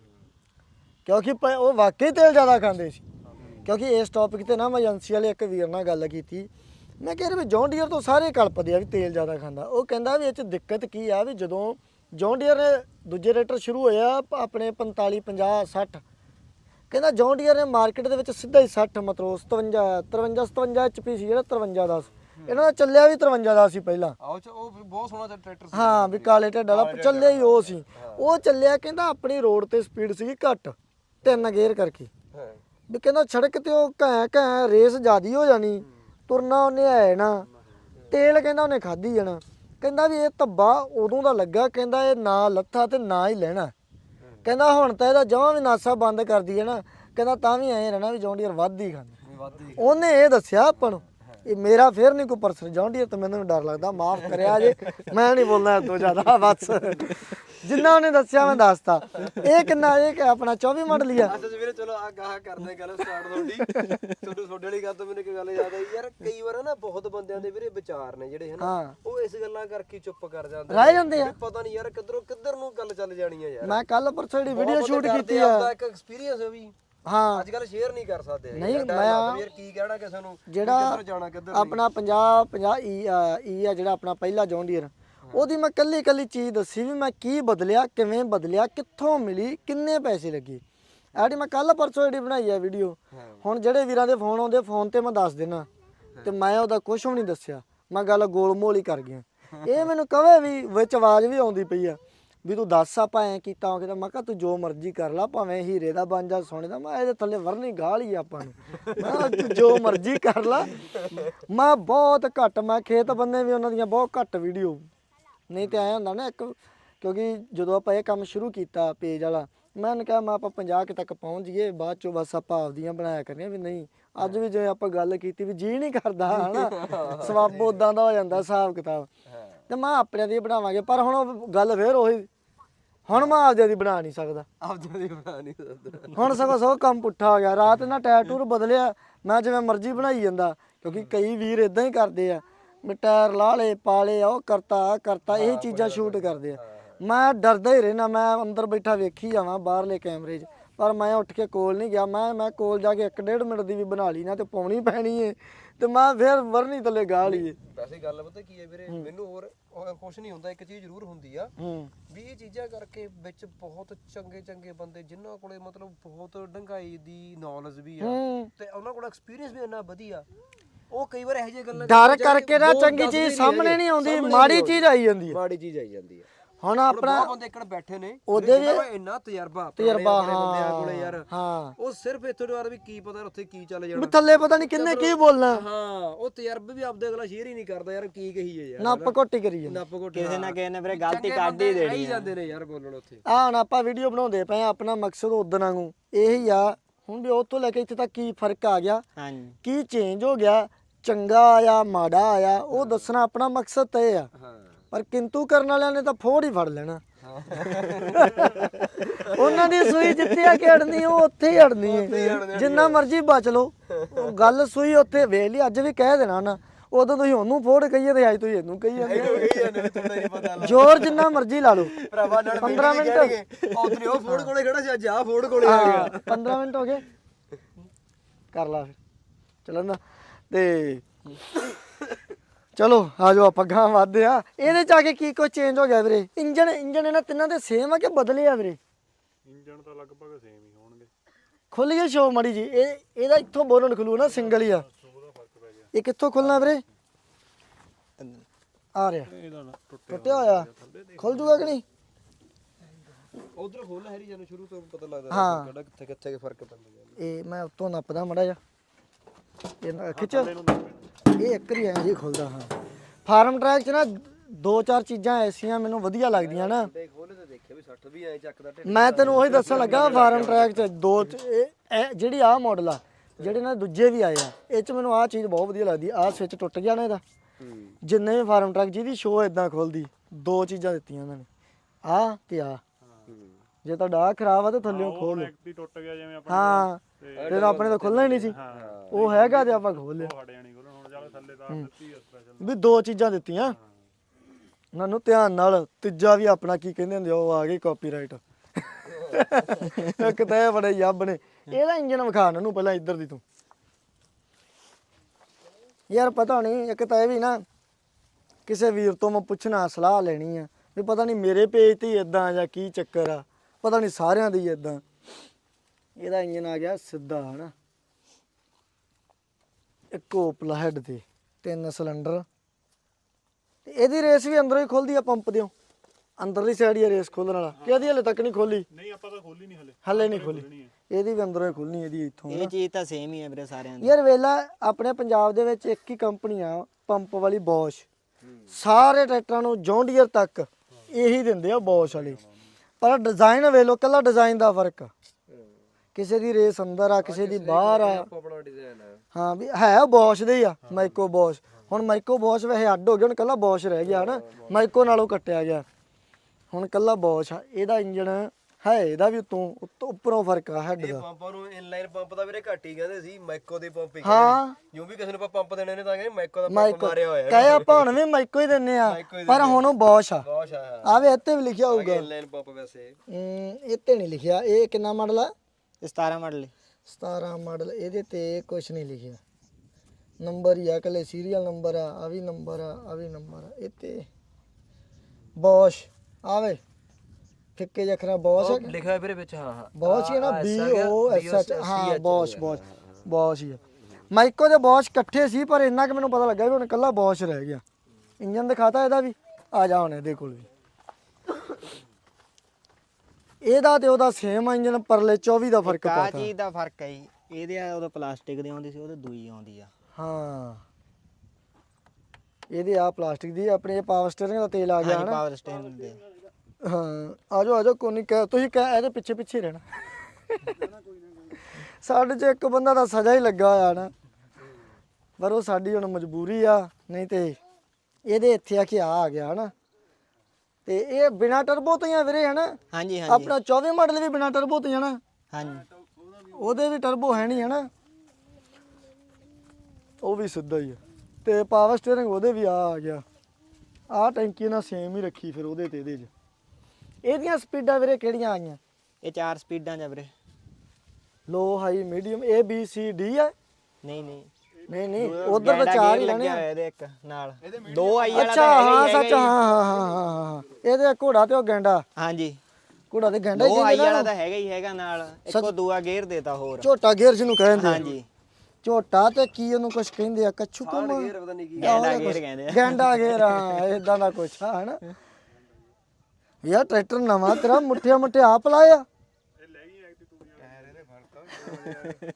A: ਕਿਉਂਕਿ ਪ- ਉਹ ਵਾਕਈ ਤੇਲ ਜ਼ਿਆਦਾ ਖਾਂਦੇ ਸੀ। ਕਿਉਂਕਿ ਇਸ ਟੌਪਿਕ ਤੇ ਨਾ ਮੈਂ ਏਜੰਸੀ ਵਾਲੇ ਇੱਕ ਵੀਰ ਨਾਲ ਗੱਲ ਕੀਤੀ, ਮੈਂ ਕਿਹਾ ਵੀ ਜੌਨ ਡੀਅਰ ਤੋਂ ਸਾਰੇ ਕਲਪਦੇ ਆ ਵੀ ਤੇਲ ਜ਼ਿਆਦਾ ਖਾਂਦਾ। ਉਹ ਕਹਿੰਦਾ ਵੀ ਇਹ 'ਚ ਦਿੱਕਤ ਕੀ ਆ, ਵੀ ਜਦੋਂ ਜੌਨ ਡੀਅਰ ਨੇ ਦੂਜੇ ਰੇਟਰ ਸ਼ੁਰੂ ਹੋਇਆ ਆਪਣੇ ਪੰਤਾਲੀ ਪੰਜਾਹ ਸੱਠ, ਕਹਿੰਦਾ ਜੌਨ ਡੀਅਰ ਨੇ ਮਾਰਕੀਟ ਦੇ ਵਿੱਚ ਸਿੱਧਾ ਹੀ ਸੱਠ ਮਤਲਬ ਸਤਵੰਜਾ ਤਰਵੰਜਾ ਸਤਵੰਜਾ ਐਚ ਪੀ ਸੀ ਜਿਹੜਾ ਤਰਵੰਜਾ ਦਾ ਸੀ। ਇਹਨਾਂ ਦਾ ਚੱਲਿਆ ਵੀ ਤਰਵੰਜਾ ਦਾ ਸੀ ਪਹਿਲਾਂ।
C: ਆਹ ਉਹ ਬਹੁਤ ਸੋਹਣਾ ਟਰੈਕਟਰ ਸੀ।
A: ਹਾਂ ਵੀ ਕਾਲੇ ਢੱਡ ਵਾਲਾ ਚੱਲਿਆ ਹੀ ਉਹ ਸੀ। ਉਹ ਚੱਲਿਆ ਕਹਿੰਦਾ ਆਪਣੀ ਰੋਡ ਤੇ ਸਪੀਡ ਸੀਗੀ ਘੱਟ, ਤਿੰਨ ਗੇਅਰ ਕਰਕੇ।
C: ਹਾਂ
A: ਵੀ ਕਹਿੰਦਾ ਸੜਕ ਤੇ ਉਹ ਘੈਂ ਘੈਂ ਰੇਸ ਜ਼ਿਆਦੀ ਹੋ ਜਾਣੀ, ਤੁਰਨਾ ਉਹਨੇ ਹੈ ਨਾ। ਤੇਲ ਕਹਿੰਦਾ ਉਹਨੇ ਖਾਧੀ ਜਾਣਾ। ਕਹਿੰਦਾ ਵੀ ਇਹ ਧੱਬਾ ਉਦੋਂ ਦਾ ਲੱਗਾ, ਕਹਿੰਦਾ ਇਹ ਨਾ ਲੱਥਾ ਤੇ ਨਾ ਹੀ ਲੈਣਾ। ਕਹਿੰਦਾ ਹੁਣ ਤਾਂ ਇਹਦਾ ਜਮਾਂ ਵੀ ਨਾਸਾ ਬੰਦ ਕਰ ਦਈਏ ਨਾ, ਕਹਿੰਦਾ ਤਾਂ ਵੀ ਐਂ ਰਹਿਣਾ ਵੀ ਜੌਨ ਡੀਅਰ ਵੱਧ ਹੀ ਖਾਂਦਾ। ਉਹਨੇ ਇਹ ਦੱਸਿਆ ਆਪਾਂ ਨੂੰ। ਇਹ ਮੇਰਾ ਫੇਰ ਨਹੀਂ ਕੋਈ ਪਰਸਨ ਜੌਨ ਡੀਅਰ ਤੇ ਮੈਨੂੰ ਡਰ ਲੱਗਦਾ, ਮਾਫ ਕਰਿਆ ਜੇ, ਮੈਂ ਨਹੀਂ ਬੋਲਣਾ ਤੋਂ ਜ਼ਿਆਦਾ, ਬਸ ਜਿੰਨਾ ਉਹਨੇ ਦੱਸਿਆ ਮੈਂ ਦੱਸਤਾ। ਇਹ ਕਿੰਨਾ, ਇਹ ਆਪਣਾ ਚੌਵੀ ਮਾਡਲ ਹੀ ਆ।
C: ਅੱਛਾ ਜੀ ਵੀਰੇ, ਚਲੋ ਆ ਗਾਹ ਕਰਦੇ ਗੱਲ ਸਟਾਰਟ ਤੁਹਾਡੀ। ਤੁਹਾਨੂੰ ਤੁਹਾਡੇ ਵਾਲੀ ਗੱਲ ਤੋਂ ਮੈਨੂੰ ਇੱਕ ਗੱਲ ਯਾਦ ਆਈ ਯਾਰ, ਕਈ ਵਾਰ ਨਾ ਬਹੁਤ ਬੰਦਿਆਂ ਦੇ ਵੀਰੇ ਵਿਚਾਰ ਨੇ ਜਿਹੜੇ ਹਨਾ,
A: ਹਾਂ
C: ਉਹ ਇਸ ਗੱਲਾਂ ਕਰਕੇ ਚੁੱਪ ਕਰ ਜਾਂਦੇ
A: ਰਹਿ ਜਾਂਦੇ ਆ।
C: ਵੀ ਪਤਾ ਨਹੀਂ ਯਾਰ ਕਿੱਧਰੋਂ ਕਿੱਧਰ ਨੂੰ ਗੱਲ ਚੱਲ ਜਾਣੀ ਆ ਯਾਰ।
A: ਮੈਂ ਕੱਲ ਪਰਸੋਂ ਜਿਹੜੀ ਵੀਡੀਓ
C: ਬਹੁਤ
A: ਸ਼ੂਟ
C: ਬੰਦੇ
A: ਕੀਤੀ
C: ਕਰਦੇ
A: ਆ,
C: ਆਪਦਾ ਇੱਕ ਐਕਸਪੀਰੀਅੰਸ ਵੀ
A: ਹਾਂ
C: ਅੱਜ ਕੱਲ ਸ਼ੇਅਰ ਨਹੀਂ ਕਰ ਸਕਦੇ।
A: ਨਹੀਂ,
C: ਯਾਰ ਡਰ
A: ਮੈਂ
C: ਲੱਗਦਾ ਵੀ ਯਾਰ ਕੀ ਕਹਿਣਾ ਕਿਸੇ ਨੂੰ,
A: ਜਿਹੜਾ
C: ਕਿੱਧਰ ਜਾਣਾ ਕਿੱਧਰ
A: ਆਪਣਾ ਪੰਜਾਹ ਪੰਜਾਹ ਈ ਆ ਈ ਆ ਜਿਹੜਾ ਆਪਣਾ ਪਹਿਲਾ ਜੌਨ ਡੀਅਰ, ਉਹਦੀ ਮੈਂ ਕੱਲੀ ਕੱਲੀ ਚੀਜ਼ ਦੱਸੀ ਵੀ ਮੈਂ ਕੀ ਬਦਲਿਆ, ਕਿਵੇਂ ਬਦਲਿਆ, ਕਿੱਥੋਂ ਮਿਲੀ, ਕਿੰਨੇ ਪੈਸੇ ਲੱਗੇ। ਐਡੀ ਮੈਂ ਕੱਲ ਪਰਸੋਂ ਜਿਹੜੀ ਬਣਾਈ ਆ ਵੀਡੀਓ। ਹੁਣ ਜਿਹੜੇ ਵੀਰਾਂ ਦੇ ਫੋਨ ਆਉਂਦੇ, ਫੋਨ ਤੇ ਮੈਂ ਦੱਸ ਦੇਣਾ, ਤੇ ਮੈਂ ਉਹਦਾ ਕੁਝ ਵੀ ਨਹੀਂ ਦੱਸਿਆ, ਮੈਂ ਗੱਲ ਗੋਲਮੋਲ ਹੀ ਕਰ ਗਿਆ। ਇਹ ਮੈਨੂੰ ਕਵੇ ਵੀ ਵਿੱਚ ਆਵਾਜ਼ ਵੀ ਆਉਂਦੀ ਪਈ ਆ ਵੀ ਤੂੰ ਦੱਸ ਆਪਾਂ ਐਂ ਕੀਤਾ ਉਹ ਕੀਤਾ। ਮੈਂ ਕਿਹਾ ਤੂੰ ਜੋ ਮਰਜ਼ੀ ਕਰ ਲਾ, ਭਾਵੇਂ ਹੀਰੇ ਦਾ ਬਣ ਜਾ, ਸੋਨੇ ਦਾ, ਮੈਂ ਇਹਦੇ ਥੱਲੇ ਵਰਨੀ ਗਾਲ ਹੀ ਆਪਾਂ ਨੂੰ। ਮੈਂ ਕਿਹਾ ਤੂੰ ਜੋ ਮਰਜ਼ੀ ਕਰ ਲਾ। ਮੈਂ ਬਹੁਤ ਘੱਟ, ਮੈਂ ਖੇਤ ਬੰਨੇ ਵੀ ਉਹਨਾਂ ਦੀਆਂ ਬਹੁਤ ਘੱਟ ਵੀਡੀਓ, ਨਹੀਂ ਤੇ ਆਇਆ ਹੁੰਦਾ ਨਾ ਇੱਕ, ਕਿਉਂਕਿ ਜਦੋਂ ਆਪਾਂ ਇਹ ਕੰਮ ਸ਼ੁਰੂ ਕੀਤਾ ਪੇਜ ਵਾਲਾ, ਮੈਂ ਉਹਨੂੰ ਕਿਹਾ ਮੈਂ ਆਪਾਂ ਪੰਜਾਹ ਕੁ ਤੱਕ ਪਹੁੰਚ ਜਾਈਏ, ਬਾਅਦ ਚੋਂ ਬਸ ਆਪਾਂ ਆਪਦੀਆਂ ਬਣਾਇਆ ਕਰਨੀਆਂ। ਵੀ ਨਹੀਂ, ਅੱਜ ਵੀ ਜਿਵੇਂ ਆਪਾਂ ਗੱਲ ਕੀਤੀ ਵੀ ਜੀ ਨਹੀਂ ਕਰਦਾ ਹਨਾ, ਸਵਾਬ ਉਦਾਂ ਦਾ ਹੋ ਜਾਂਦਾ ਹਿਸਾਬ ਕਿਤਾਬ, ਤੇ ਮੈਂ ਆਪਣਿਆਂ ਦੀ ਬਣਾਵਾਂਗੇ। ਪਰ ਹੁਣ ਉਹ ਗੱਲ ਫੇਰ ਉਹੀ, ਹੁਣ ਮੈਂ ਆਪਦਿਆਂ ਦੀ ਬਣਾ ਨਹੀਂ ਸਕਦਾ,
C: ਆਪਦੇ ਦੀ ਬਣਾ ਨਹੀਂ ਸਕਦਾ।
A: ਹੁਣ ਸਗੋਂ ਸਗੋਂ ਕੰਮ ਪੁੱਠਾ ਹੋ ਗਿਆ। ਰਾਤ ਨਾ ਟਾਇਰ ਟੂਰ ਬਦਲਿਆ, ਮੈਂ ਜਿਵੇਂ ਮਰਜ਼ੀ ਬਣਾਈ ਜਾਂਦਾ, ਕਿਉਂਕਿ ਕਈ ਵੀਰ ਇਦਾਂ ਹੀ ਕਰਦੇ ਆ ਵੀ ਟਾਇਰ ਲਾ ਲਏ ਪਾ ਲਏ, ਉਹ ਕਰਤਾ ਆਹ ਕਰਤਾ, ਇਹ ਚੀਜ਼ਾਂ ਸ਼ੂਟ ਕਰਦੇ ਆ। ਮੈਂ ਡਰਦਾ ਹੀ ਰਹਿਣਾ, ਮੈਂ ਅੰਦਰ ਬੈਠਾ ਵੇਖੀ ਜਾਵਾਂ ਬਾਹਰਲੇ ਕੈਮਰੇ 'ਚ, ਪਰ ਮੈਂ ਉੱਠ ਕੇ ਕੋਲ ਨਹੀਂ ਗਿਆ। ਮੈਂ ਮੈਂ ਕੋਲ ਜਾ ਕੇ ਇੱਕ ਡੇਢ ਮਿੰਟ ਦੀ ਵੀ ਬਣਾ ਲਈ ਨਾ ਤੇ ਪਾਉਣੀ ਪੈਣੀ ਏ, ਤੇ ਮੈਂ ਫੇਰ ਵਰਨੀ ਥੱਲੇ ਗਾ ਲਈਏ।
C: ਵੈਸੇ ਗੱਲ ਪਤਾ ਕੀ ਹੈ ਵੀਰੇ, ਮੈਨੂੰ ਹੋਰ ਕੁਝ ਨਹੀਂ ਹੁੰਦਾ, ਇੱਕ ਚੀਜ਼ ਜ਼ਰੂਰ ਹੁੰਦੀ ਆ ਵੀ ਇਹ ਚੀਜ਼ਾਂ ਕਰਕੇ ਵਿੱਚ ਬਹੁਤ ਚੰਗੇ ਚੰਗੇ ਬੰਦੇ ਜਿਨ੍ਹਾਂ ਕੋਲੇ ਮਤਲਬ ਬਹੁਤ ਡੰਗਾਈ ਦੀ ਨੌਲੇਜ ਵੀ ਆ, ਤੇ ਉਹਨਾਂ ਕੋਲ ਐਕਸਪੀਰੀਅੰਸ ਵੀ ਇੰਨਾ ਵਧੀਆ, ਉਹ ਕਈ ਵਾਰ ਇਹੋ ਜਿਹੀਆਂ ਗੱਲਾਂ
A: ਡਰ ਕਰਕੇ ਨਾ ਚੰਗੀ ਚੀਜ਼ ਸਾਹਮਣੇ ਨਹੀਂ ਆਉਂਦੀ, ਮਾੜੀ ਚੀਜ਼ ਆਈ ਜਾਂਦੀ ਹੈ।
C: ਮਾੜੀ ਚੀਜ਼ ਆਈ ਜਾਂਦੀ ਹੈ।
A: ਹੁਣ ਆਪਣਾ
C: ਬਹੁਤ ਬੰਦੇ ਇੱਕੜ ਬੈਠੇ ਨੇ,
A: ਉਹਦੇ ਵੀ
C: ਇੰਨਾ ਤਜਰਬਾ
A: ਤਜਰਬਾ,
C: ਬੰਦਿਆਂ ਕੋਲੇ ਯਾਰ,
A: ਹਾਂ,
C: ਉਹ ਸਿਰਫ ਇੱਥੋਂ ਦੇ ਬਾਅਦ ਵੀ ਕੀ ਪਤਾ ਉੱਥੇ ਕੀ ਚੱਲ
A: ਵੀ
C: ਜਾਣਾ,
A: ਥੱਲੇ ਪਤਾ ਨਹੀਂ ਕਿੰਨੇ ਕੀ ਬੋਲਣਾ।
C: ਹਾਂ, ਉਹ ਤਜਰਬੇ ਵੀ ਆਪਦੇ ਅਗਲਾ ਸ਼ੇਅਰ ਹੀ ਨਹੀਂ ਕਰਦਾ ਯਾਰ, ਕੀ ਕਹੀਏ ਯਾਰ,
A: ਨੱਪ ਘੋਟੀ ਕਰੀ ਜਾਂਦਾ।
C: ਨੱਪ ਘੋਟ
B: ਕਿਸੇ ਨਾ ਕਿਸੇ ਨੇ ਵੀਰੇ ਗਲਤੀ ਕੱਢ ਹੀ ਦੇਣੀ ਆ।
C: ਜਾਂਦੇ ਨੇ ਯਾਰ ਬੋਲਣ ਉੱਥੇ।
A: ਆ ਹੁਣ ਆਪਾਂ ਵੀਡੀਓ ਬਣਾਉਂਦੇ ਪਏ ਆ, ਆਪਣਾ ਮਕਸਦ ਉਦੋਂ ਵਾਂਗੂ ਇਹੀ ਆ। ਹੁਣ ਵੀ ਉਹ ਤੋਂ ਲੈ ਕੇ ਇੱਥੇ ਤੱਕ ਕੀ ਫਰਕ ਆ ਗਿਆ,
B: ਹਾਂਜੀ,
A: ਕੀ ਚੇਂਜ ਹੋ ਗਿਆ, ਚੰਗਾ ਆਇਆ ਮਾੜਾ ਆਇਆ, ਉਹ ਦੱਸਣਾ ਆਪਣਾ ਮਕਸਦ ਤਾਂ ਇਹ ਆ।
C: ਹਾਂ,
A: ਪਰ ਕਿੰਤੂ ਕਰਨ ਵਾਲਿਆਂ ਨੇ ਤਾਂ ਫੋੜ ਹੀ ਫੜ ਲੈਣਾ। ਉਹਨਾਂ ਦੀ ਸੂਈ ਜਿੱਥੇ ਆ ਕੇ ਅੜਨੀ, ਉਹ ਉੱਥੇ ਹੀ ਅੜਨੀ ਹੈ, ਜਿੰਨਾ ਮਰਜ਼ੀ ਬਚ ਲਓ। ਉਹ ਗੱਲ ਸੂਈ ਉੱਥੇ ਵੇਖ ਲਈ, ਅੱਜ ਵੀ ਕਹਿ ਦੇਣਾ ਨਾ, ਉਦੋਂ ਤੁਸੀਂ ਉਹਨੂੰ ਫੋੜ ਕਹੀਏ ਤੇ ਅੱਜ ਤੁਸੀਂ ਇਹਨੂੰ ਕਹੀ ਜਾਂਦੇ। ਜ਼ੋਰ ਜਿੰਨਾ ਮਰਜ਼ੀ ਲਾ ਲਓ।
C: ਭਰਾਵਾ ਨਾਲ
A: ਪੰਦਰਾਂ ਮਿੰਟ
C: ਉਧਰ ਉਹ ਫੋੜ ਕੋਲੇ ਖੜਾ ਸੀ, ਅੱਜ ਆ ਫੋੜ ਕੋਲੇ ਆ ਗਿਆ।
A: ਪੰਦਰਾਂ ਮਿੰਟ ਹੋ ਗਏ, ਕਰ ਲਾ ਫਿਰ ਚਲੋ ਨਾ। ਤੇ ਚਲੋ ਆ ਜਾਓ ਆਪਾਂ ਗਾਂ ਵੱਧਦੇ ਆ। ਇਹਦੇ ਚ ਆ ਕੇ ਕੀ ਕੁਝ ਚੇਂਜ ਹੋ ਗਿਆ ਵੀਰੇ? ਇੰਜਨ ਇੰਜਨ ਇਹਨਾਂ ਤਿੰਨਾਂ ਦੇ ਸੇਮ ਆ ਕਿ ਬਦਲੇ ਆ ਵੀਰੇ?
E: ਇੰਜਨ ਤਾਂ ਲਗਭਗ ਸੇਮ ਹੀ ਹੋਣਗੇ।
A: ਖੁੱਲ ਗਿਆ ਸ਼ੋ ਮੜੀ ਜੀ, ਇਹ ਇਹਦਾ ਇੱਥੋਂ ਬੋਲਣ ਖੁੱਲੂ ਨਾ, ਸਿੰਗਲ ਹੀ ਆ। ਇਹ ਕਿੱਥੋਂ ਖੁੱਲਣਾ ਵੀਰੇ? ਆ ਰਿਹਾ ਟੁੱਟਿਆ ਹੋਇਆ, ਖੁੱਲ ਜੂਗਾ ਕਿ ਨਹੀਂ?
C: ਉਧਰ ਖੋਲ ਹੈਰੀ ਜਾਨੂੰ ਸ਼ੁਰੂ ਤੋਂ ਪਤਾ ਲੱਗਦਾ
A: ਹਾਂ,
C: ਕਿਹੜਾ ਕਿੱਥੇ ਕਿੱਥੇ ਫਰਕ ਪੈਂਦਾ।
A: ਇਹ ਮੈਂ ਉੱਤੋਂ ਨੱਪਦਾ ਮੜਾ ਜਾ, ਇਹ ਨਾ ਖਿੱਚ, ਇਹ ਇੱਕ ਹੀ ਐਂ ਜੀ ਖੁੱਲਦਾ। ਹਾਂ, ਫਾਰਮ ਟਰੈਕ 'ਚ ਨਾ ਦੋ ਚਾਰ ਚੀਜ਼ਾਂ ਐਸੀਆਂ ਮੈਨੂੰ ਵਧੀਆ ਲੱਗਦੀਆਂ ਨਾ।
C: ਖੋਲੇ ਤੇ ਦੇਖਿਆ ਵੀ ਸੱਠ ਵੀ ਐ ਚੱਕਦਾ ਢਿੱਡ।
A: ਮੈਂ ਤੈਨੂੰ ਉਹੀ ਦੱਸਣ ਲੱਗਾ, ਫਾਰਮ ਟਰੈਕ 'ਚ ਦੋ ਇਹ- ਇਹ ਜਿਹੜੀ ਆਹ ਮਾਡਲ ਆ, ਜਿਹੜੇ ਨਾਲ ਦੂਜੇ ਵੀ ਆਏ ਆ, ਇਹ 'ਚ ਮੈਨੂੰ ਆਹ ਚੀਜ਼ ਬਹੁਤ ਵਧੀਆ ਲੱਗਦੀ। ਆਹ ਸਵਿਚ ਟੁੱਟ ਗਿਆ ਨਾ ਇਹਦਾ, ਜਿੰਨੇ ਵੀ ਫਾਰਮ ਟਰੈਕ ਜਿਹਦੀ ਸ਼ੋਅ ਇਦਾਂ ਖੁੱਲਦੀ, ਦੋ ਚੀਜ਼ਾਂ ਦਿੱਤੀਆਂ ਉਹਨਾਂ ਨੇ, ਆਹ ਤੇ ਆਹ। ਜੇ ਤੁਹਾਡਾ ਆਹ ਖਰਾਬ ਆ ਤਾਂ ਥੱਲਿਓਂ ਖੋਲ ਲਓ।
E: ਐਕਟੀ ਟੁੱਟ ਗਿਆ ਜਿਵੇਂ ਆਪਣਾ,
A: ਹਾਂ, ਫਿਰ ਆਪਣੇ ਤਾਂ ਖੁੱਲਣਾ ਹੀ ਨਹੀਂ ਸੀ, ਉਹ ਹੈਗਾ ਤੇ ਆਪਾਂ ਖੋਲ ਲਿਆ।
E: ਉਹ ਹਟ ਜਾਣੀ ਖੋਲਣ। ਹੁਣ ਚੱਲ ਥੱਲੇ ਤਾਰ ਦਿੱਤੀ ਆ ਸਪੈਸ਼ਲ,
A: ਵੀ ਦੋ ਚੀਜ਼ਾਂ ਦਿੱਤੀਆਂ ਉਹਨਾਂ ਨੂੰ ਧਿਆਨ ਨਾਲ। ਤੀਜਾ ਵੀ ਆਪਣਾ ਕੀ ਕਹਿੰਦੇ ਹੁੰਦੇ, ਉਹ ਆ ਗਈ ਕਾਪੀਰਾਈਟ। ਇੱਕ ਤਾਂ ਇਹ ਬੜੇ ਯੱਬ ਨੇ। ਇਹਦਾ ਇੰਜਨ ਵਿਖਾ ਨੂੰ ਪਹਿਲਾਂ ਇੱਧਰ ਦੀ ਤੂੰ। ਯਾਰ ਪਤਾ ਨਹੀਂ, ਇੱਕ ਤਾਂ ਇਹ ਵੀ ਨਾ, ਕਿਸੇ ਵੀਰ ਤੋਂ ਮੈਂ ਪੁੱਛਣਾ, ਸਲਾਹ ਲੈਣੀ ਆ ਵੀ ਪਤਾ ਨਹੀਂ ਮੇਰੇ ਪੇਜ ਤੇ ਹੀ ਇਦਾਂ ਜਾਂ ਕੀ ਚੱਕਰ ਆ, ਪਤਾ ਨਹੀਂ ਸਾਰਿਆਂ ਦੀ ਇਦਾਂ। ਇਹਦਾ ਇੰਜਨ ਆ ਗਿਆ ਸਿੱਧਾ ਹਨਾ, ਇੱਕ ਓਪਲਾ ਹੈਡ ਤੇ ਤਿੰਨ ਸਿਲੰਡਰ, ਤੇ ਇਹਦੀ ਰੇਸ ਵੀ ਅੰਦਰੋਂ ਹੀ ਖੁੱਲਦੀ ਆ ਪੰਪ ਦਿਓ, ਅੰਦਰਲੀ ਸਾਈਡ ਹੀ ਰੇਸ ਖੋਲਣ ਵਾਲਾ। ਕਿ ਇਹਦੀ ਹਲੇ ਤੱਕ ਨਹੀਂ ਖੋਲੀ?
E: ਨਹੀਂ ਆਪਾਂ ਤਾਂ ਖੋਲੀ ਨਹੀਂ ਹਲੇ,
A: ਹਲੇ ਨਹੀਂ ਖੋਲੀ। ਇਹਦੀ ਵੀ ਅੰਦਰੋਂ ਹੀ ਖੁੱਲਣੀ, ਇਹਦੀ ਇੱਥੋਂ।
B: ਇਹ ਚੀਜ਼ ਤਾਂ ਸੇਮ ਹੀ ਹੈ ਵੀਰੇ ਸਾਰਿਆਂ ਦੀ।
A: ਯਾਰ ਵੇਲਾ ਆਪਣੇ ਪੰਜਾਬ ਦੇ ਵਿੱਚ ਇੱਕ ਹੀ ਕੰਪਨੀ ਆ ਪੰਪ ਵਾਲੀ ਬੋਸ਼, ਸਾਰੇ ਟਰੈਕਟਰਾਂ ਨੂੰ ਜੌਨ ਡੀਅਰ ਤੱਕ ਇਹੀ ਦਿੰਦੇ ਆ ਬੋਸ਼ ਵਾਲੀ। ਪਰ ਡਿਜ਼ਾਈਨ ਵੇਖ ਲਓ, ਕੱਲਾ ਡਿਜ਼ਾਈਨ ਦਾ ਫਰਕ ਆ। ਕਿਸੇ ਦੀ ਰੇਸ ਅੰਦਰ ਆ, ਕਿਸੇ ਦੀ ਬਾਹਰ ਆ।
C: ਆਪਣਾ ਡਿਜ਼ਾਈਨ ਹੈ।
A: ਹਾਂ ਵੀ ਹੈ ਬੋਸ਼ ਦੇ ਹੀ ਆ, ਮਾਈਕੋ ਬੋਸ਼। ਹੁਣ ਮਾਈਕੋ ਬੋਸ਼ ਵੈਸੇ ਅੱਡ ਹੋ ਗਿਆ, ਹੁਣ ਕੱਲਾ ਬੋਸ਼ ਰਹਿ ਗਿਆ ਹਨਾ, ਮਾਈਕੋ ਨਾਲੋਂ ਕੱਟਿਆ ਗਿਆ, ਹੁਣ ਕੱਲਾ ਬੋਸ਼ ਆ। ਇਹਦਾ ਇੰਜਣ ਹੈ, ਇਹਦਾ ਵੀ ਉਤੋਂ ਉੱਪਰੋਂ ਫਰਕ ਆ ਹੈਡ
C: ਇਹ
A: ਦਾ।
C: ਪੰਪਾਂ ਨੂੰ ਇਨਲਾਈਨ ਪੰਪ ਦਾ ਵੀਰੇ ਘੱਟ ਹੀ ਕਹਿੰਦੇ ਸੀ, ਮਾਈਕੋ ਦੇ ਪੰਪ ਹੀ
A: ਹਾਂ
C: ਜਿਉਂ ਵੀ ਕਿਸੇ ਨੂੰ ਆਪਾਂ ਪੰਪ ਦੇਣੇ ਨੇ ਤਾਂ ਕਹਿੰਦੇ ਮਾਈਕੋ ਦਾ ਪੰਪ
A: ਮਾਈਕੋ
C: ਮਾਰਿਆ ਹੋਇਆ
A: ਕਹੇ ਆਪਾਂ ਹੁਣ ਵੀ ਮਾਈਕੋ ਹੀ ਦਿੰਨੇ ਆ, ਪਰ ਹੁਣ ਉਹ ਬੋਸ਼ ਆ।
C: ਬਹੁਤ ਆ
A: ਆਵੇ ਇੱਥੇ ਵੀ ਲਿਖਿਆ ਹੋਊਗਾ,
C: ਇਨਲਾਈਨ ਪੰਪ ਵੈਸੇ
A: ਹਮ, ਇੱਥੇ ਨਹੀਂ ਲਿਖਿਆ। ਇਹ ਕਿੰਨਾ ਮਾਡਲ ਆ?
B: ਸਤਾਰਾਂ ਮਾਡਲ
A: ਸਤਾਰਾਂ ਮਾਡਲ। ਇਹਦੇ ਤੇ ਕੁਝ ਨਹੀਂ ਲਿਖਿਆ, ਨੰਬਰ ਹੀ ਆ, ਕੱਲੇ ਸੀਰੀਅਲ ਨੰਬਰ ਆ, ਆ ਵੀ ਨੰਬਰ ਆ, ਆ ਵੀ ਨੰਬਰ ਆ। ਇੱਥੇ ਬੋਸ਼ ਆਵੇ ਫਿੱਕੇ ਜਖਰਾ ਬੋਸ਼ ਹੈ,
C: ਲਿਖਿਆ ਵੀਰੇ ਵਿੱਚ। ਹਾਂ ਹਾਂ
A: ਬੋਸ਼ ਹੀ ਹੈ ਨਾ, ਬੀ ਓ ਐਸ ਐਚ। ਹਾਂ ਬੋਸ਼ ਬੋਸ਼ ਬੋਸ਼ ਹੀ ਆ। ਮਾਈਕੋ ਦੇ ਬੋਸ਼ ਇਕੱਠੇ ਸੀ, ਪਰ ਇੰਨਾ ਕਿ ਮੈਨੂੰ ਪਤਾ ਲੱਗਾ ਵੀ ਹੁਣ ਕੱਲਾ ਬੋਸ਼ ਰਹਿ ਗਿਆ। ਇੰਜਨ ਦਿਖਾਤਾ ਇਹਦਾ ਵੀ, ਆ ਜਾ ਹੁਣ ਇਹਦੇ ਕੋਲ ਵੀ। ਇਹਦਾ ਤੇ ਉਹਦਾ ਸੇਮ ਆ ਇੰਜਨ, ਪਰਲੇ ਚੌਵੀ ਦਾ ਫਰਕ
B: ਆ
A: ਪਾਤਾ।
B: ਚੀਜ਼ ਦਾ ਫਰਕ ਹੈ ਜੀ, ਇਹਦੇ ਆ ਉਹਦਾ ਪਲਾਸਟਿਕ ਦੀ ਆਉਂਦੀ ਸੀ, ਉਹਦੇ ਦੂਈ ਆਉਂਦੀ ਆ।
A: ਹਾਂ ਇਹਦੇ ਆ ਪਲਾਸਟਿਕ ਦੀ, ਆਪਣੇ ਇਹ ਪਾਵਰ ਸਟੀਅਰਿੰਗ ਦਾ ਤੇਲ ਆ ਗਿਆ
B: ਹਾਂਜੀ
A: ਹਨਾ।
B: ਪਾਵਰ ਸਟੇਸ਼ਨ ਦੇ।
A: ਹਾਂ ਆਜੋ ਆਜੋ, ਕੋਈ ਨਹੀਂ ਕਹਿ, ਤੁਸੀਂ ਕਹਿ ਇਹਦੇ ਪਿੱਛੇ ਪਿੱਛੇ ਹੀ ਰਹਿਣਾ। ਸਾਡੇ 'ਚ ਇੱਕ ਬੰਦਾ ਤਾਂ ਸਜ਼ਾ ਹੀ ਲੱਗਾ ਹੋਇਆ ਨਾ, ਪਰ ਉਹ ਸਾਡੀ ਹੁਣ ਮਜਬੂਰੀ ਆ, ਨਹੀਂ ਤੇ ਇਹਦੇ ਇੱਥੇ ਆ ਕੇ ਆ ਆ ਗਿਆ ਹਨਾ। ਤੇ ਇਹ ਬਿਨਾ ਟਰਬੋ ਤੋਂ ਹੀ ਆ ਵੀਰੇ ਹਨਾ।
B: ਹਾਂਜੀ ਹਾਂਜੀ
A: ਆਪਣਾ ਚੌਵੀ ਮਾਡਲ ਵੀ ਬਿਨਾ ਟਰਬੋ ਤੋਂ ਹੀ ਹਨਾ,
B: ਹਾਂਜੀ
A: ਉਹਦੇ ਵੀ ਟਰਬੋ ਹੈ ਨਹੀਂ ਹਨਾ, ਉਹ ਵੀ ਸਿੱਧਾ ਹੀ ਆ। ਤੇ ਪਾਵਰ ਸਟੀਅਰਿੰਗ ਉਹਦੇ ਵੀ ਆ ਆ ਗਿਆ। ਆਹ ਟੈਂਕੀ ਨਾਲ ਸੇਮ ਹੀ ਰੱਖੀ ਫਿਰ ਉਹਦੇ ਤੇ ਇਹਦੇ 'ਚ। ਇਹਦੀਆਂ ਸਪੀਡਾਂ ਵੀਰੇ ਕਿਹੜੀਆਂ ਆਈਆਂ?
B: ਇਹ ਚਾਰ ਸਪੀਡਾਂ ਚ ਆ ਵੀਰੇ।
A: Low high medium A B C D ਆ?
B: ਨਹੀਂ ਨਹੀਂ
A: ਨਹੀਂ ਨਹੀਂ ਉਧਰ ਤਾਂ ਚਾਰ ਹੀ ਲੈਣੇ
B: ਲੱਗਿਆ
A: ਆ।
B: ਹੋਇਆ ਇਹਦੇ ਇੱਕ ਨਾਲ ਦੋ ਆਈ ਵਾਲਾ
A: ਅੱਛਾ
B: ਤਾਂ
A: ਹਾਂ
B: ਹੈਗਾ ਹੀ
A: ਸੱਚ,
B: ਹੈਗਾ
A: ਹਾਂ
B: ਹੀ।
A: ਹਾਂ ਹਾਂ ਹਾਂ ਹਾਂ ਇਹਦੇ ਘੋੜਾ ਤੇ ਉਹ ਗੈਂਡਾ,
B: ਹਾਂਜੀ
A: ਘੋੜਾ ਤੇ ਗੈਂਡਾ ਹੀ
B: ਦੋ ਆਈ
A: ਕਹਿੰਦੇ
B: ਵਾਲਾ
A: ਨਾ।
B: ਤਾਂ ਹੈਗਾ ਹੀ ਹੈਗਾ ਨਾਲ, ਇੱਕੋ ਦੂਆ ਗੇਅਰ ਦੇਤਾ ਹੋਰ।
A: ਝੋਟਾ ਗੇਅਰ ਜਿਹਨੂੰ ਕਹਿੰਦੇ ਆ।
B: ਹਾਂਜੀ
A: ਝੋਟਾ ਤੇ ਕੀ ਉਹਨੂੰ ਕੁਝ ਕਹਿੰਦੇ ਆ, ਕੱਛੂ ਕੁਮ,
C: ਗੇਰ ਪਤਾ ਨਹੀਂ ਕੀ
B: ਗੈਂਡਾ ਗੇਅਰ ਕਹਿੰਦੇ ਆ।
A: ਗੈਂਡਾ ਗੇਅਰ, ਹਾਂ ਇਦਾਂ ਦਾ ਕੁਛ ਆ ਹਨਾ। ਯਾਰ ਟਰੈਕਟਰ ਨਵਾਂ ਤੇਰਾ, ਮੁੱਠਿਆ ਮੁੱਠੇ ਆਪ ਲਾਇਆ।
E: ਇਹ ਲੈ ਗਈ ਐਕਟੀ ਤੂੰ ਇਹ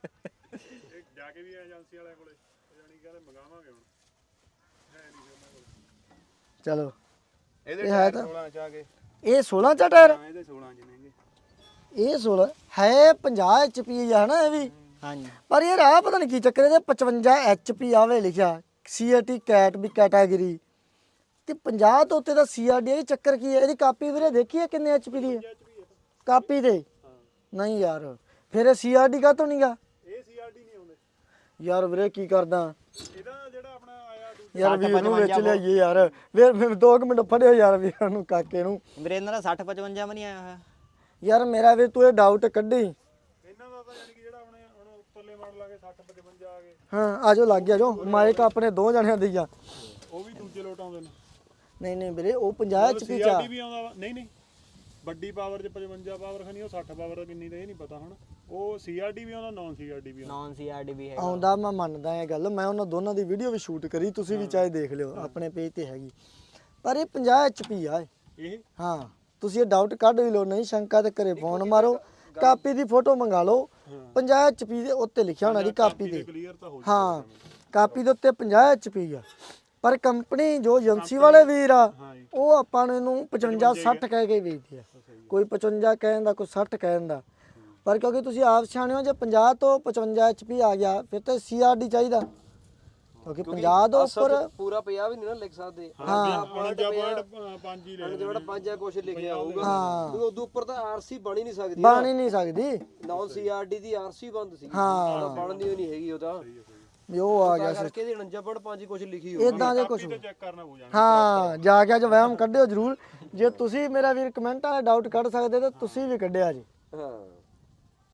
E: ਜਾ ਕੇ ਵੀ ਏਜੰਸੀ ਵਾਲਿਆਂ ਕੋਲੇ ਜਾਨੀ ਕਹਿੰਦੇ ਮੰਗਾਵਾਂਗੇ ਹੁਣ, ਹੈ ਨਹੀਂ ਫਿਰ ਉਹਨਾਂ ਕੋਲ।
A: ਚਲੋ
D: ਇਹਦੇ
A: ਇਹ ਹੈ
D: ਟਾਇਰ
A: ਤਾਂ-
D: ਸੋਲਾਂ ਚ ਆ ਗਏ।
A: ਇਹ ਸੋਲਾਂ ਚਾ ਟਾਇਰ,
D: ਹਾਂ ਇਹਦੇ ਸੋਲਾਂ ਚ ਨੇਗੇ।
A: ਇਹ ਸੋਲਾਂ ਹੈ, ਪੰਜਾਹ ਐਚ ਪੀ ਆ ਹਨਾ ਇਹ ਵੀ।
B: ਹਾਂਜੀ
A: ਪਰ ਯਾਰ ਆਹ ਪਤਾ ਨਹੀਂ ਕੀ ਚੱਕਰ, ਇਹਦੇ ਪਚਵੰਜਾ ਐਚ ਪੀ ਆਵੇ ਲਿਖਿਆ, ਸੀ ਆਰ ਟੀ ਕੈਟ ਵੀ ਕੈਟਾਗਰੀ, ਤੇ ਪੰਜਾਹ ਤੋਂ ਉੱਤੇ ਦਾ ਸੀ ਆਰ ਡੀ। ਇਹ ਚੱਕਰ ਕੀ ਹੈ? ਇਹਦੀ ਕਾਪੀ ਵੀਰੇ ਦੇਖੀ ਹੈ ਕਿੰਨੇ ਐਚ ਪੀ ਦੀ ਹੈ ਕਾਪੀ ਤੇ? ਨਹੀਂ ਯਾਰ ਫਿਰ ਇਹ ਸੀ ਆਰ ਡੀ ਕਾ ਤੋਂ ਨਹੀਂ ਗਾ?
E: ਇਹ ਸੀਆਰਡੀ ਨਹੀਂ ਆਉਂਦੇ
A: ਯਾਰ ਵੀਰੇ ਕੀ ਕਰਦਾ
E: ਇਹਦਾ ਜਿਹੜਾ ਆਪਣਾ ਆਇਆ ਦੂਜਾ
A: ਯਾਰ ਵੀਰ ਨੂੰ ਵਿੱਚ ਲਿਆਈਏ ਯਾਰ, ਵੀਰ ਫਿਰ ਦੋ ਕੁ ਮਿੰਟ ਫੜਿਓ ਯਾਰ ਵੀਰ ਨੂੰ, ਕਾਕੇ ਨੂੰ।
B: ਵੀਰੇ ਇਹਨਾਂ ਦਾ ਸੱਠ ਪਚਵੰਜਾ ਵੀ ਨਹੀਂ ਆਇਆ ਹੋਇਆ।
A: ਯਾਰ ਮੇਰਾ ਵੀਰ ਤੂੰ ਇਹ ਡਾਊਟ ਕੱਢੀ।
E: ਇਹਨਾਂ ਦਾ ਤਾਂ ਯਾਨੀ ਕਿ ਜਿਹੜਾ ਆਪਣੇ ਹੁਣ ਉੱਪਰਲੇ ਮਾਡਲ ਆ ਗਏ ਸੱਠ ਪਚਵੰਜਾ ਆ ਗਏ,
A: ਹਾਂ ਆਜੋ ਲੱਗ ਗਿਆ ਜੋ, ਮਾਈਕ ਆਪਣੇ ਦੋ ਜਣਿਆਂ ਦੀ ਆ।
E: ਉਹ ਵੀ ਦੂਜੇ ਲੋਟ ਆਉਂਦੇ ਨੇ।
A: ਨਹੀਂ ਨਹੀਂ ਵੀਰੇ ਉਹ ਪੰਜਾਹ ਐਚ ਪੀ ਚ ਆ।
E: ਸੀਆਰਡੀ ਵੀ ਆਉਂਦਾ ਵਾ, ਨਹੀਂ ਨਹੀਂ ਵੱਡੀ ਪਾਵਰ ਚ ਪਚਵੰਜਾ ਪਾਵਰ ਖਣੀ, ਉਹ ਸੱਠ ਪਾਵਰ ਕਿੰਨੀ ਦਾ ਇਹ ਨਹੀਂ ਪਤਾ ਹੁਣ। ਉਹ ਸੀਆਰਡੀ ਵੀ ਆਉਂਦਾ, ਨਾਨ ਸੀਆਰਡੀ ਵੀ ਆਉਂਦਾ।
B: ਨੌਨ ਸੀਆਰਡੀ ਵੀ ਹੈਗਾ।
A: ਆਉਂਦਾ, ਮੈਂ ਮੰਨਦਾ ਇਹ ਗੱਲ, ਮੈਂ ਉਹਨਾਂ ਦੋਨਾਂ ਦੀ ਵੀਡੀਓ ਵੀ ਸ਼ੂਟ ਕਰੀ, ਤੁਸੀਂ ਵੀ ਚਾਹੇ ਦੇਖ ਲਿਓ, ਆਪਣੇ ਪੇਜ ਤੇ ਹੈਗੀ। ਪਰ ਇਹ ਪੰਜਾਹ ਐਚ ਪੀ ਆ ਇਹ।
E: ਇਹ
A: ਹਾਂ ਤੁਸੀਂ ਇਹ ਡਾਊਟ ਕੱਢ ਵੀ ਲਓ, ਨਹੀਂ ਸ਼ੰਕਾ ਤੇ ਘਰੇ ਫੋਨ ਮਾਰੋ, ਕਾਪੀ ਦੀ ਫੋਟੋ ਮੰਗਾ ਲਓ। ਪੰਜਾਹ ਐਚ ਪੀ ਦੇ ਉੱਤੇ ਲਿਖਿਆ ਹੋਣਾ ਜੀ ਕਾਪੀ ਤੇ।
E: ਕਲੀਅਰ ਤਾਂ ਹੋ
A: ਹਾਂ ਕਾਪੀ ਦੇ ਉੱਤੇ ਪੰਜਾਹ ਐਚ ਪੀ ਆ, ਪਰ ਕੰਪਨੀ ਜੋ ਏਜੰਸੀ ਵਾਲੇ ਵੀਰ ਆ ਉਹ ਆਪਾਂ ਨੂੰ ਇਹਨੂੰ ਪਚਵੰਜਾ ਸੱਠ ਕਹਿ ਕੇ ਵੇਚਦੇ ਆ। ਕੋਈ ਪਚਵੰਜਾ ਕਹਿਣ ਦਾ, ਕੋਈ ਸੱਠ ਕਹਿਣ ਦਾ। ਪਰ ਕਿਉਂਕਿ ਤੁਸੀਂ ਆਪ ਸਿਆਣੇ ਹੋ, ਜੇ ਪੰਜਾਹ ਤੋਂ ਪਚਵੰਜਾ ਐਚ ਪੀ ਆ ਗਿਆ ਫਿਰ ਤਾਂ ਸੀ ਆਰ ਡੀ ਚਾਹੀਦਾ, ਕਿਉਂਕਿ ਪੰਜਾਹ ਤੋਂ ਉੱਪਰ
C: ਪੂਰਾ ਪੰਜਾਹ ਵੀ ਨਹੀਂ ਨਾ ਲਿਖ ਸਕਦੇ।
E: ਹਾਂ ਉਣੰਜਾ ਪੁਆਇੰਟ ਪੰਜ ਹੀ ਲੈ
C: ਜਿਹੜਾ ਪੰਜ ਆ ਕੁਛ ਲਿਖਿਆ ਹੋਊਗਾ,
A: ਹਾਂ
C: ਉਦੋਂ ਉੱਪਰ ਤਾਂ ਆਰਸੀ ਬਣ ਹੀ ਨਹੀਂ ਸਕਦੀ।
A: ਬਣ ਹੀ ਨਹੀਂ ਸਕਦੀ।
C: ਨਾਨ ਸੀਆਰਡੀ ਦੀ ਆਰਸੀ ਬੰਦ ਸੀ,
A: ਹਾਂ
C: ਬਣਦੀ ਨਹੀਂ ਹੈਗੀ ਉਹਦਾ।
A: ਵੀ ਉਹ ਆ ਗਿਆ
C: ਤਾਂ ਕਰਕੇ ਇਹਦੀ ਉਣੰਜਾ ਪੁਆਇੰਟ ਪੰਜ ਕੁਛ ਲਿਖੀ ਹੋਊ।
A: ਇਦਾਂ ਦੇ ਕੁਝ।
E: ਚੈੱਕ ਕਰਨਾ ਹੋ ਜਾਣਾ।
A: ਹਾਂ ਜਾ ਕੇ ਅੱਜ ਵਹਿਮ ਕੱਢਿਓ ਜ਼ਰੂਰ। ਜੇ ਤੁਸੀਂ ਮੇਰਾ ਵੀਰ ਕਮੈਂਟਾਂ ਦਾ ਡਾਊਟ ਕੱਢ ਸਕਦੇ ਤਾਂ ਤੁਸੀਂ ਵੀ ਕੱਢਿਆ ਜੀ।
C: ਹਾਂ